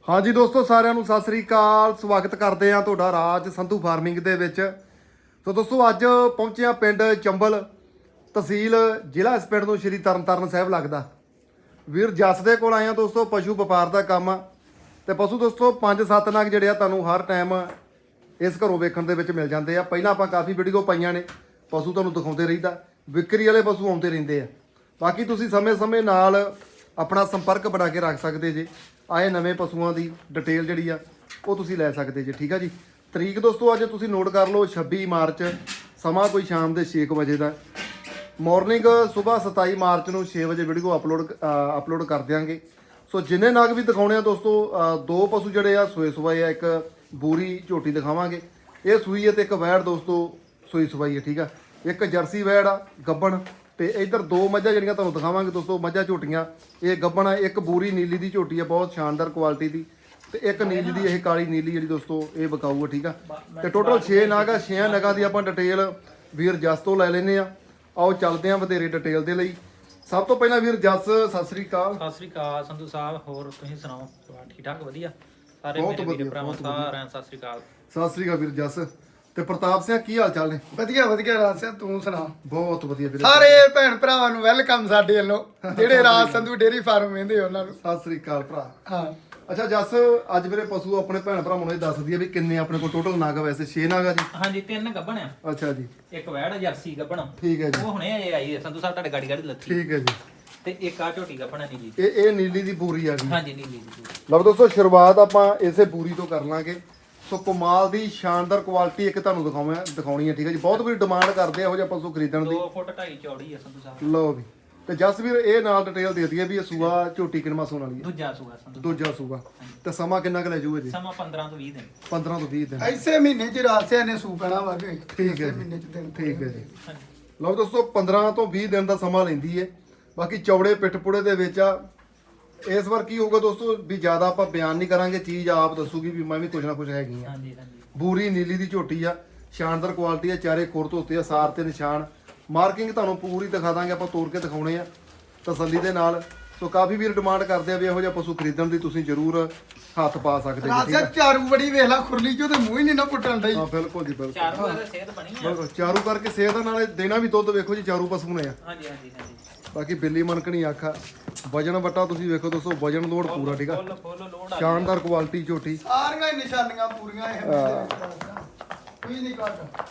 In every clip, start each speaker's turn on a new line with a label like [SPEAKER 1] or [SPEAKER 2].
[SPEAKER 1] हाँ जी दोस्तों साਰਿਆਂ ਨੂੰ ਸਤਿ ਸ੍ਰੀ ਅਕਾਲ ਸਵਾਗਤ ਕਰਦੇ ਆ ਤੁਹਾਡਾ ਰਾਜ ਸੰਧੂ ਫਾਰਮਿੰਗ ਦੇ ਵਿੱਚ। ਸੋ ਦੋਸਤੋ ਅੱਜ ਪਹੁੰਚੇ ਆ ਪਿੰਡ ਚੰਬਲ ਤਹਿਸੀਲ ਜ਼ਿਲ੍ਹਾ ਇਸ ਪਿੰਡ ਨੂੰ ਸ਼੍ਰੀ ਤਰਨਤਾਰਨ ਸਾਹਿਬ ਲੱਗਦਾ। ਵੀਰ ਜੱਸ ਦੇ ਕੋਲ ਆਏ ਆ ਦੋਸਤੋ, ਪਸ਼ੂ ਵਪਾਰ ਦਾ ਕੰਮ ਆ ਤੇ ਪਸ਼ੂ ਦੋਸਤੋ 5-7 ਨਗ ਜਿਹੜੇ ਆ ਤੁਹਾਨੂੰ ਹਰ ਟਾਈਮ ਇਸ ਘਰੋਂ ਵੇਖਣ ਦੇ ਵਿੱਚ ਮਿਲ ਜਾਂਦੇ ਆ। ਪਹਿਲਾਂ ਆਪਾਂ ਕਾਫੀ ਵੀਡੀਓ ਪਾਈਆਂ ਨੇ, ਪਸ਼ੂ ਤੁਹਾਨੂੰ ਦਿਖਾਉਂਦੇ ਰਹੀਦਾ, ਵਿਕਰੀ ਵਾਲੇ ਪਸ਼ੂ ਆਉਂਦੇ ਰਹਿੰਦੇ ਆ। ਬਾਕੀ ਤੁਸੀਂ ਸਮੇਂ-ਸਮੇਂ ਨਾਲ ਆਪਣਾ ਸੰਪਰਕ ਬਣਾ ਕੇ ਰੱਖ ਸਕਦੇ ਜੇ। ਆਏ ਨਵੇਂ ਪਸ਼ੂਆਂ ਦੀ ਡਿਟੇਲ ਜਿਹੜੀ ਆ ਉਹ ਤੁਸੀਂ ਲੈ ਸਕਦੇ ਜੇ। ਠੀਕ ਆ ਜੀ। ਤਰੀਕ ਦੋਸਤੋ ਅੱਜ ਤੁਸੀਂ ਨੋਟ ਕਰ ਲਓ 26 ਮਾਰਚ, ਸਮਾਂ ਕੋਈ ਸ਼ਾਮ ਦੇ 6 ਵਜੇ ਦਾ। ਮਾਰਨਿੰਗ ਸਵੇਰ 27 ਮਾਰਚ ਨੂੰ 6 ਵਜੇ ਵੀਡੀਓ ਅਪਲੋਡ ਕਰ ਦਿਆਂਗੇ। ਸੋ ਜਿੰਨੇ ਨਗ ਵੀ ਦਿਖਾਉਣੇ ਆ ਦੋਸਤੋ, ਦੋ ਪਸ਼ੂ ਜਿਹੜੇ ਆ ਸੂਏ ਆ, ਇੱਕ ਬੂਰੀ ਝੋਟੀ ਦਿਖਾਵਾਂਗੇ, ਇਹ ਸੂਈ ਹੈ, ਤੇ ਇੱਕ ਵੈੜ ਦੋਸਤੋ ਸੂਈ ਹੈ। ਠੀਕ ਆ। ਇੱਕ ਜਰਸੀ ਵੈੜ ਆ ਗੱਬਣ, ਤੇ ਇਧਰ ਦੋ ਮੱਝਾਂ ਜਿਹੜੀਆਂ ਤੁਹਾਨੂੰ ਦਿਖਾਵਾਂਗੇ ਦੋਸਤੋ, ਮੱਝਾਂ ਝੋਟੀਆਂ ਇਹ ਗੱਬਣ ਆ। ਇੱਕ ਬੂਰੀ ਨੀਲੀ ਦੀ ਝੋਟੀ ਆ, ਬਹੁਤ ਸ਼ਾਨਦਾਰ ਕੁਆਲਿਟੀ ਦੀ, ਤੇ ਇੱਕ ਨੀਲੀ ਦੀ, ਇਹ ਕਾਲੀ ਨੀਲੀ ਜਿਹੜੀ ਦੋਸਤੋ ਇਹ ਵਿਕਾਊ ਆ। ਠੀਕ ਆ। ਤੇ ਟੋਟਲ 6 ਨਗ ਆ। 6 ਨਗਾਂ ਦੀ ਆਪਾਂ ਡਿਟੇਲ ਵੀਰ ਜੱਸ ਤੋਂ ਲੈ ਲੈਨੇ ਆ। ਆਓ ਚੱਲਦੇ ਆ ਵਧੇਰੇ ਡਿਟੇਲ ਦੇ ਲਈ। ਸਭ ਤੋਂ ਪਹਿਲਾਂ ਵੀਰ ਜੱਸ ਸਤਿ ਸ੍ਰੀ ਅਕਾਲ।
[SPEAKER 2] ਸਤਿ ਸ੍ਰੀ ਅਕਾਲ ਸੰਧੂ ਸਾਹਿਬ, ਹੋਰ ਤੁਸੀਂ ਸੁਣਾਓ? ਠੀਕ ਠਾਕ? ਵਧੀਆ ਸਾਰੇ ਮੇਰੇ ਵੀਰ ਭਰਾਵਾਂ ਸਾਰਿਆਂ ਨੂੰ ਸਤਿ ਸ੍ਰੀ ਅਕਾਲ।
[SPEAKER 1] ਸਤਿ ਸ੍ਰੀ ਅਕਾਲ ਵੀਰ ਜੱਸ। ਤੇ ਪ੍ਰਤਾਪ ਸਿੰਘ ਕੀ ਹਾਲ ਚਾਲ ਨੇ?
[SPEAKER 3] ਵਧੀਆ ਰਾਜ ਸਿੰਘ, ਤੂੰ ਸੁਣਾ?
[SPEAKER 1] ਬਹੁਤ ਵਧੀਆ ਵੀਰੇ।
[SPEAKER 3] ਸਾਰੇ ਭੈਣ ਭਰਾਵਾਂ ਨੂੰ ਵੈਲਕਮ ਸਾਡੇ ਵੱਲੋਂ, ਜਿਹੜੇ ਰਾਜ ਸੰਧੂ ਡੇਰੀ ਫਾਰਮ ਵੇਂਦੇ ਉਹਨਾਂ ਨੂੰ
[SPEAKER 1] ਸਤਿ ਸ੍ਰੀ ਅਕਾਲ ਭਰਾ।
[SPEAKER 3] ਹਾਂ।
[SPEAKER 1] ਅੱਛਾ ਜੱਸ, ਅੱਜ ਵੀਰੇ ਪਸ਼ੂ ਆਪਣੇ ਭੈਣ ਭਰਾਵਾਂ ਨੂੰ ਇਹ ਦੱਸ ਦਈਏ ਵੀ ਕਿੰਨੇ ਆਪਣੇ ਕੋਲ ਟੋਟਲ ਨਗ? ਵੈਸੇ 6 ਨਗ ਆ ਜੀ।
[SPEAKER 2] ਹਾਂਜੀ 3 ਗੱਬਣ ਆ।
[SPEAKER 1] ਅੱਛਾ ਜੀ।
[SPEAKER 2] ਇੱਕ ਵੈੜ ਜਰਸੀ ਗੱਬਣ,
[SPEAKER 1] ਠੀਕ ਹੈ ਜੀ।
[SPEAKER 2] ਉਹ ਹੁਣੇ ਆਈ ਹੈ ਸੰਧੂ ਸਾਹਿਬ, ਤੁਹਾਡੇ ਗਾੜੀ ਲੱਥੀ।
[SPEAKER 1] ਠੀਕ ਹੈ ਜੀ।
[SPEAKER 2] ਤੇ ਇੱਕ ਆ ਝੋਟੀ ਗੱਬਣ ਨੀਲੀ।
[SPEAKER 1] ਇਹ ਨੀਲੀ ਦੀ ਬੂਰੀ ਆ ਗਈ।
[SPEAKER 2] ਹਾਂਜੀ ਨੀਲੀ ਦੀ।
[SPEAKER 1] ਲਓ ਦੋਸਤੋ ਸ਼ੁਰੂਆਤ ਆਪਾਂ ਇਸੇ ਬੂਰੀ ਤੋਂ ਕਰ ਲਾਂਗੇ। ਸੋ ਕਮਾਲ ਦੀ ਸ਼ਾਨਦਾਰ ਕੁਆਲਿਟੀ ਇੱਕ ਤੁਹਾਨੂੰ ਦਿਖਾਉਣੀ ਹੈ। ਠੀਕ ਹੈ ਜੀ। ਬਹੁਤ ਵੀ ਡਿਮਾਂਡ ਕਰਦੇ ਆ ਇਹੋ ਜਿਹਾ ਪਸ਼ੂ ਖਰੀਦਣ ਦੀ।
[SPEAKER 2] 2 ਫੁੱਟ 2.5 ਚੌੜੀ ਹੈ ਸੰਧੂ ਸਾਹਿਬ।
[SPEAKER 1] ਲਓ ਵੀ। ਤੇ ਜਸਵੀਰ ਇਹ ਨਾਲ ਡਿਟੇਲ ਦੇ ਦਈਏ ਵੀ ਇਹ ਸੂਆ ਝੋਟੀ ਕਿੰਨਾ ਸੂਣ ਵਾਲੀ ਹੈ?
[SPEAKER 2] ਦੂਜਾ ਸੂਆ ਸੰਧੂ।
[SPEAKER 1] ਦੂਜਾ ਸੂਆ। ਤੇ ਸਮਾਂ ਕਿੰਨਾ ਕੁ ਲੈ ਜੂਗਾ ਜੀ?
[SPEAKER 2] ਸਮਾਂ 15 ਤੋਂ 20 ਦਿਨ।
[SPEAKER 1] 15 ਤੋਂ 20 ਦਿਨ।
[SPEAKER 3] ਐਸੇ ਮਹੀਨੇ ਚ ਰਾਜ ਸਿੰਘ ਨੇ ਸੂ ਪੈਣਾ ਵਾ ਕੇ।
[SPEAKER 1] ਠੀਕ ਹੈ
[SPEAKER 3] ਮਹੀਨੇ ਚ ਦਿਨ।
[SPEAKER 1] ਠੀਕ ਹੈ ਜੀ।
[SPEAKER 2] ਹਾਂਜੀ।
[SPEAKER 1] ਲਓ ਦੋਸਤੋ 15 ਤੋਂ 20 ਦਿਨ ਦਾ ਸਮਾਂ ਲੈਂਦੀ ਹੈ। ਬਾਕੀ ਚੌੜੇ ਪਿੱਠਪੁੜੇ ਦੇ ਵਿੱਚ ਆ। ਇਸ ਵਾਰ ਕੀ ਹੋਊਗਾ ਦੋਸਤੋ ਵੀ ਜ਼ਿਆਦਾ ਆਪਾਂ ਬਿਆਨ ਨਹੀਂ ਕਰਾਂਗੇ, ਚੀਜ਼ ਆਪ ਦੱਸੂਗੀ ਵੀ ਮੈਂ ਵੀ ਕੁਝ ਨਾ ਕੁਝ ਹੈਗੀ ਆ।
[SPEAKER 2] ਹਾਂਜੀ ਹਾਂਜੀ।
[SPEAKER 1] ਬੂਰੀ ਨੀਲੀ ਦੀ ਝੋਟੀ ਆ, ਸ਼ਾਨਦਾਰ ਕੁਆਲਿਟੀ ਆ, ਚਾਰੇ ਖੁਰ ਧੋਤੇ ਆ, ਸਾਰ ਤੇ ਨਿਸ਼ਾਨ, ਮਾਰਕਿੰਗ ਤੁਹਾਨੂੰ ਪੂਰੀ ਦਿਖਾ ਦਾਂਗੇ ਆਪਾਂ, ਤੋੜ ਕੇ ਦਿਖਾਉਣੇ ਆ ਤਸੱਲੀ ਦੇ ਨਾਲ। ਸੋ ਕਾਫੀ ਵੀਰ ਡਿਮਾਂਡ ਕਰਦੇ ਆ ਵੀ ਇਹੋ ਜਿਹਾ ਪਸ਼ੂ ਖਰੀਦਣ ਦੀ, ਤੁਸੀਂ ਜ਼ਰੂਰ ਹੱਥ ਪਾ ਸਕਦੇ ਜੀ।
[SPEAKER 3] ਰਾਜ
[SPEAKER 1] ਠੀਕ ਆ।
[SPEAKER 3] ਸਿੰਘ ਚਾਰੂ ਬੜੀ ਵੇਖ ਲਾ, ਖੁਰਲੀ ਚੋਂ ਤੇ ਮੂੰਹ ਹੀ ਨਹੀਂ ਨਾ ਪੁੱਟਣ ਡਈ।
[SPEAKER 1] ਹਾਂ ਬਿਲਕੁਲ ਜੀ ਬਿਲਕੁਲ।
[SPEAKER 2] ਚਾਰੂ ਵਾਰ ਸਿਹਤ ਬਣੀ ਆ।
[SPEAKER 1] ਬਿਲਕੁਲ ਚਾਰੂ ਕਰਕੇ ਸਿਹਤ ਨਾਲੇ ਦੇਣਾ ਵੀ ਦੁੱਧ ਵੇਖੋ ਜੀ, ਚਾਰੂ ਪਸ਼ੂ ਨੇ ਆ।
[SPEAKER 2] ਹਾਂਜੀ ਹਾਂਜੀ ਹਾਂਜੀ।
[SPEAKER 1] ਬਾਕੀ ਬਿੱਲੀ ਮਨਕਣੀ ਆਖਾ, ਵਜਨ ਵਟਾ ਤੁਸੀਂ ਵੇਖੋ ਦੋਸਤੋ, ਵਜਨ ਲੋਡ ਪੂਰਾ। ਠੀਕ ਆ।
[SPEAKER 2] ਫੁੱਲ ਲੋਡ ਆ।
[SPEAKER 1] ਸ਼ਾਨਦਾਰ ਕੁਆਲਿਟੀ ਝੋਟੀ,
[SPEAKER 3] ਸਾਰੀਆਂ ਹੀ ਨਿਸ਼ਾਨੀਆਂ ਪੂਰੀਆਂ ਇਹ ਕੋਈ ਨਹੀਂ ਘੱਟ।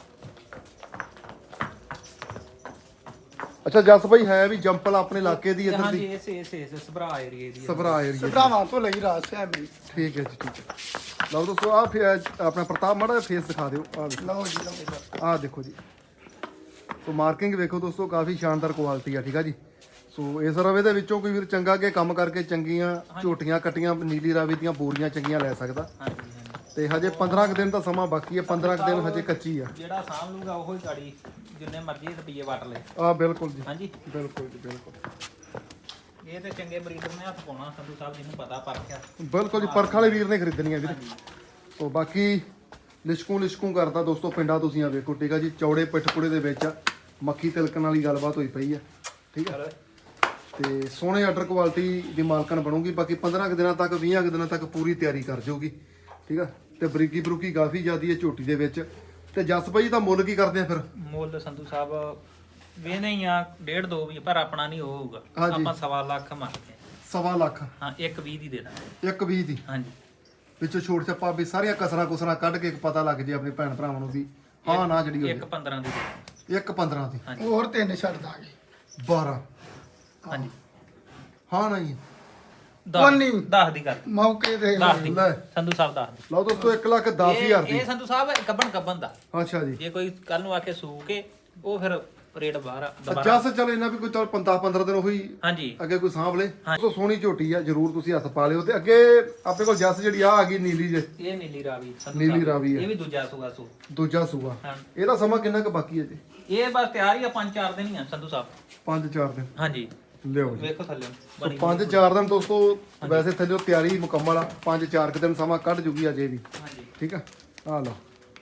[SPEAKER 1] ਅੱਛਾ ਜਸ ਭਾਈ ਹੈ ਵੀ ਜੰਪਲ ਆਪਣੇ ਇਲਾਕੇ ਦੀ ਇੱਧਰ
[SPEAKER 2] ਹਾਂਜੀ
[SPEAKER 1] ਦੀ?
[SPEAKER 2] ਇਸ ਸਭਰਾ ਏਰੀਏ ਦੀ।
[SPEAKER 1] ਸਭਰਾ ਏਰੀਆ।
[SPEAKER 3] ਭਰਾਵਾਂ ਤੋਂ ਲਈ ਰਾਜ ਸਿੰਘ ਵੀ।
[SPEAKER 1] ਠੀਕ ਹੈ ਜੀ। ਠੀਕ ਹੈ। ਲਓ ਦੋਸਤੋ ਆ ਆਪਣਾ ਪ੍ਰਤਾਪ ਮਾੜਾ ਫੇਸ ਦਿਖਾ ਦਿਓ। ਆ ਵੇਖੋ,
[SPEAKER 3] ਲਓ ਜੀ ਲਓ।
[SPEAKER 1] ਆ ਦੇਖੋ ਜੀ। ਸੋ ਮਾਰਕਿੰਗ ਵੇਖੋ ਦੋਸਤੋ, ਕਾਫੀ ਸ਼ਾਨਦਾਰ ਕੁਆਲਿਟੀ ਆ। ਠੀਕ ਆ ਜੀ। ਸੋ ਇਸ ਰਵੇ ਦੇ ਵਿੱਚੋਂ ਕੋਈ ਵੀਰ ਚੰਗਾ ਕੇ ਕੰਮ ਕਰਕੇ ਚੰਗੀਆਂ ਝੋਟੀਆਂ ਕੱਟੀਆਂ ਨੀਲੀ ਰਾਵੀ ਦੀਆਂ ਬੋਰੀਆਂ ਚੰਗੀਆਂ ਲੈ ਸਕਦਾ।
[SPEAKER 2] ਹਾਂਜੀ ਹਾਂਜੀ।
[SPEAKER 1] ਤੇ ਹਜੇ 15 ਕੁ ਦਿਨ ਦਾ ਸਮਾਂ ਬਾਕੀ ਹੈ। 15 ਕੁ ਦਿਨ ਹਜੇ ਕੱਚੀ ਆ।
[SPEAKER 2] ਜਿਹੜਾ ਸਾਂਭ ਲੂਗਾ ਉਹੋ ਹੀ ਗਾੜੀ ਜਿੰਨੇ ਮਰਜ਼ੀ ਰੁਪਈਏ ਵਟ ਲੈ।
[SPEAKER 1] ਆ ਬਿਲਕੁਲ ਜੀ।
[SPEAKER 2] ਹਾਂਜੀ
[SPEAKER 1] ਬਿਲਕੁਲ ਜੀ ਬਿਲਕੁਲ।
[SPEAKER 2] ਇਹ ਤੇ ਚੰਗੇ ਬਰੀਡਰ ਨੇ ਹੱਥ ਪਾਉਣਾ ਸੰਧੂ ਸਾਹਿਬ, ਜਿਹਨੂੰ ਪਤਾ ਪਰਖਿਆ।
[SPEAKER 1] ਬਿਲਕੁਲ ਜੀ, ਪਰਖ ਵਾਲੇ ਵੀਰ ਨੇ ਖਰੀਦਣੀਆਂ ਵੀਰ। ਸੋ ਬਾਕੀ ਲਿਸ਼ਕੂ ਕਰਦਾ ਦੋਸਤੋ ਪਿੰਡਾਂ ਤੁਸੀਂ ਆ ਵੇਖੋ। ਠੀਕ ਆ ਜੀ। ਚੌੜੇ ਪਿੱਠਪੁੜੇ ਦੇ ਵਿੱਚ ਮੱਖੀ ਤਿਲਕਣ ਵਾਲੀ ਗੱਲਬਾਤ ਹੋਈ ਪਈ ਆ। ਠੀਕ ਆ। ਤੇ ਸੋਹਣੇ ਆਰਡਰ ਕੁਆਲਿਟੀ ਦੀ ਮਾਲਕਣ ਬਣੂਗੀ। ਬਾਕੀ 15 ਕੁ ਦਿਨਾਂ ਤੱਕ 20 ਕੁ ਦਿਨਾਂ ਤੱਕ ਪੂਰੀ ਤਿਆਰੀ ਕਰ ਜਾਊਗੀ। ਠੀਕ ਆ। ਤੇ ਬਰੀਕੀ ਬਰੂਕੀ ਕਾਫੀ ਜ਼ਿਆਦੀ ਹੈ ਝੋਟੀ ਦੇ ਵਿੱਚ। ਤੇ ਜਸ ਭਾਈ ਦਾ ਮੁੱਲ ਕੀ ਕਰਦੇ ਆ ਫਿਰ?
[SPEAKER 2] ਮੁੱਲ ਸੰਧੂ ਸਾਹਿਬ ਵੇਨੇ ਹੀ ਆ 1.5-2 ਵੀ, ਪਰ ਆਪਣਾ ਨਹੀਂ ਹੋਊਗਾ। ਆਪਾਂ 1.25 ਲੱਖ ਮੰਗਦੇ ਆ।
[SPEAKER 1] 1.25 ਲੱਖ?
[SPEAKER 2] ਹਾਂ 1.20 ਦੀ ਦੇ ਦਾਂਗੇ।
[SPEAKER 1] 1.20 ਦੀ?
[SPEAKER 2] ਹਾਂਜੀ।
[SPEAKER 1] ਵਿੱਚੋਂ ਛੋਟ ਛੱਪਾ ਵੀ ਸਾਰੀਆਂ ਕਸਰਾਂ ਕੱਢ ਕੇ ਪਤਾ ਲੱਗ ਜੇ ਆਪਣੇ ਭੈਣ ਭਰਾਵਾਂ ਨੂੰ ਵੀ ਹਾਂ ਨਾ ਜਿਹੜੀ ਹੋਈ।
[SPEAKER 2] 1.15 ਦੀ ਦੇ ਦਾਂਗੇ।
[SPEAKER 1] 1.15 ਦੀ?
[SPEAKER 2] ਹਾਂਜੀ।
[SPEAKER 3] ਹੋਰ ਤਿੰਨ ਛੱਡ ਦਾਂਗੇ।
[SPEAKER 1] 12?
[SPEAKER 2] ਹਾਂਜੀ।
[SPEAKER 1] ਹਾਂ ਨਹੀਂ
[SPEAKER 2] 10 ਦੀ ਕਰ
[SPEAKER 3] ਮੌਕੇ ਤੇ
[SPEAKER 2] 10 ਦੀ
[SPEAKER 1] ਲੈ।
[SPEAKER 2] ਸੰਧੂ ਸਾਹਿਬ 10 ਦੀ।
[SPEAKER 1] ਲਓ ਦੋਸਤੋ 1,10,000 ਦੀ।
[SPEAKER 2] ਇਹ ਸੰਧੂ ਸਾਹਿਬ ਗੱਬਣ ਦਾ।
[SPEAKER 1] ਅੱਛਾ ਜੀ।
[SPEAKER 2] ਜੇ ਕੋਈ ਕੱਲ ਨੂੰ ਆ ਕੇ ਸੂ ਕੇ ਉਹ ਫਿਰ ਰੇਟ ਬਾਹਰ ਆ ਦੁਬਾਰਾ।
[SPEAKER 1] ਜੱਸ ਚੱਲ ਇਹਨਾਂ ਵੀ ਕੋਈ ਚੱਲ 15 ਦਿਨ ਉਹੀ
[SPEAKER 2] ਹਾਂਜੀ
[SPEAKER 1] ਅੱਗੇ ਕੋਈ ਸਾਂਭ ਲੇ। ਸੋ ਸੋਹਣੀ ਝੋਟੀ ਆ, ਜਰੂਰ ਤੁਸੀਂ ਹੱਥ ਪਾ ਲਿਓ। ਤੇ ਅੱਗੇ ਆਪਣੇ ਕੋਲ ਜੱਸ ਜਿਹੜੀ ਆ ਗਈ ਨੀਲੀ ਜੇ,
[SPEAKER 2] ਇਹ ਨੀਲੀ ਰਾਵੀ ਸੰਧੂ
[SPEAKER 1] ਨੀਲੀ
[SPEAKER 2] ਸਾਹਿਬ।
[SPEAKER 1] ਰਾਵੀ ਆ।
[SPEAKER 2] ਇਹ ਵੀ ਦੂਜਾ ਸੂਆ ਸੂ।
[SPEAKER 1] ਦੂਜਾ ਸੂਆ।
[SPEAKER 2] ਹਾਂ।
[SPEAKER 1] ਇਹਦਾ ਸਮਾਂ ਕਿੰਨਾ ਕੁ ਬਾਕੀ ਹੈ ਜੀ?
[SPEAKER 2] ਇਹ ਬਸ ਤਿਆਰ ਹੀ ਆ, 5-4 ਦਿਨ ਹੀ ਆ ਸੰਧੂ ਸਾਹਿਬ।
[SPEAKER 1] 5-4 ਦਿਨ?
[SPEAKER 2] ਹਾਂਜੀ
[SPEAKER 1] ਲਿਓ ਜੀ।
[SPEAKER 2] ਵੇਖੋ ਥੱਲੇ
[SPEAKER 1] ਸੋ 5-4 ਦਿਨ ਦੋਸਤੋ ਵੈਸੇ ਥੱਲੇ ਤਿਆਰੀ ਮੁਕੰਮਲ ਆ। 5-4 ਦਿਨ ਸਮਾਂ ਕੱਢ ਜੂਗੀ ਅਜੇ ਵੀ।
[SPEAKER 2] ਹਾਂਜੀ।
[SPEAKER 1] ਠੀਕ ਆ। ਆ ਲਓ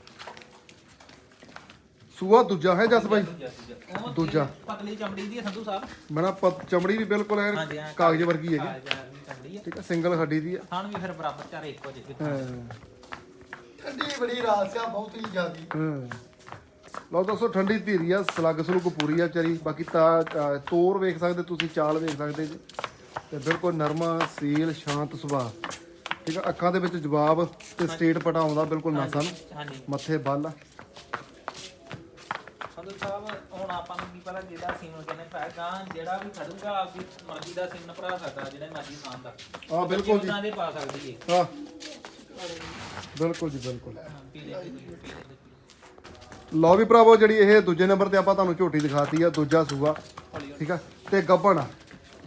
[SPEAKER 1] ਸੂਆ ਦੂਜਾ ਹੈ ਜਸ ਭਾਈ? ਦੂਜਾ।
[SPEAKER 2] ਪਤਲੀ ਚਮੜੀ ਦੀ ਹੈ ਸੰਧੂ ਸਾਹਿਬ।
[SPEAKER 1] ਬਣਾ ਚਮੜੀ ਵੀ ਬਿਲਕੁਲ ਹੈ
[SPEAKER 2] ਹਾਂਜੀ, ਹਾਂ।
[SPEAKER 1] ਕਾਗਜ਼ ਵਰਗੀ ਹੈਗੀ।
[SPEAKER 2] ਹਾਂ ਚੱਲਦੀ ਆ
[SPEAKER 1] ਠੀਕ ਆ ਸਿੰਗਲ ਹੱਡੀ ਦੀ ਆ
[SPEAKER 2] ਥਣ ਵੀ ਫਿਰ ਬਰਾਬਰ ਚਾਰੇ ਇੱਕੋ ਜਿਹੇ
[SPEAKER 1] ਹਾਂ
[SPEAKER 3] ਠੰਡੀ ਬੜੀ ਰਾਸ ਆ ਬਹੁਤ ਹੀ ਜ਼ਿਆਦੀ।
[SPEAKER 1] ਲਓ ਦੋਸਤੋ ਠੰਡੀ ਧੀਰੀ ਆ ਸਲੱਗ ਸਲੂਕ ਪੂਰੀ ਆ ਵਿਚਾਰੀ ਬਾਕੀ ਤਾਂ ਤੋਰ ਵੇਖ ਸਕਦੇ ਤੁਸੀਂ ਚਾਲ ਵੇਖ ਸਕਦੇ ਜੀ ਤੇ ਬਿਲਕੁਲ ਨਰਮਾ ਸੀਲ ਸ਼ਾਂਤ ਸੁਭਾਅ ਠੀਕ ਆ ਅੱਖਾਂ ਦੇ ਵਿੱਚ ਜਵਾਬ ਤੇ ਸਟੇਟ ਪਟਾ ਆਉਂਦਾ ਬਿਲਕੁਲ ਨਾਸਾਂ ਨੂੰ
[SPEAKER 2] ਹਾਂਜੀ
[SPEAKER 1] ਮੱਥੇ ਬੱਲ ਆ
[SPEAKER 2] ਸੰਧੂ ਸਾਹਿਬ ਹੁਣ ਆਪਾਂ ਨੂੰ ਕੀ ਪਤਾ ਜਿਹੜਾ ਸੀਮਨ ਕਹਿੰਦੇ ਪੈਗਾ ਜਿਹੜਾ ਵੀ ਖੜੂਗਾ ਆਪਦੀ ਮਰਜ਼ੀ ਦਾ ਸੀਮਨ ਭਰਾ ਸਕਦਾ ਜਿਹੜਾ ਮਰਜ਼ੀ ਥਾਂ ਦਾ
[SPEAKER 1] ਆ ਬਿਲਕੁਲ ਜੀ
[SPEAKER 2] ਉਹਨਾਂ ਦੇ ਪਾ ਸਕਦੀ ਏ
[SPEAKER 1] ਹਾਂ ਬਿਲਕੁਲ ਜੀ ਬਿਲਕੁਲ ਲਓ ਵੀ ਭਰਾਵੋ ਜਿਹੜੀ ਇਹ ਦੂਜੇ ਨੰਬਰ ਤੇ ਆਪਾਂ ਤੁਹਾਨੂੰ ਝੋਟੀ ਦਿਖਾਤੀ ਆ ਦੂਜਾ ਸੂਆ ਠੀਕ ਆ ਤੇ ਗੱਭਣ ਆ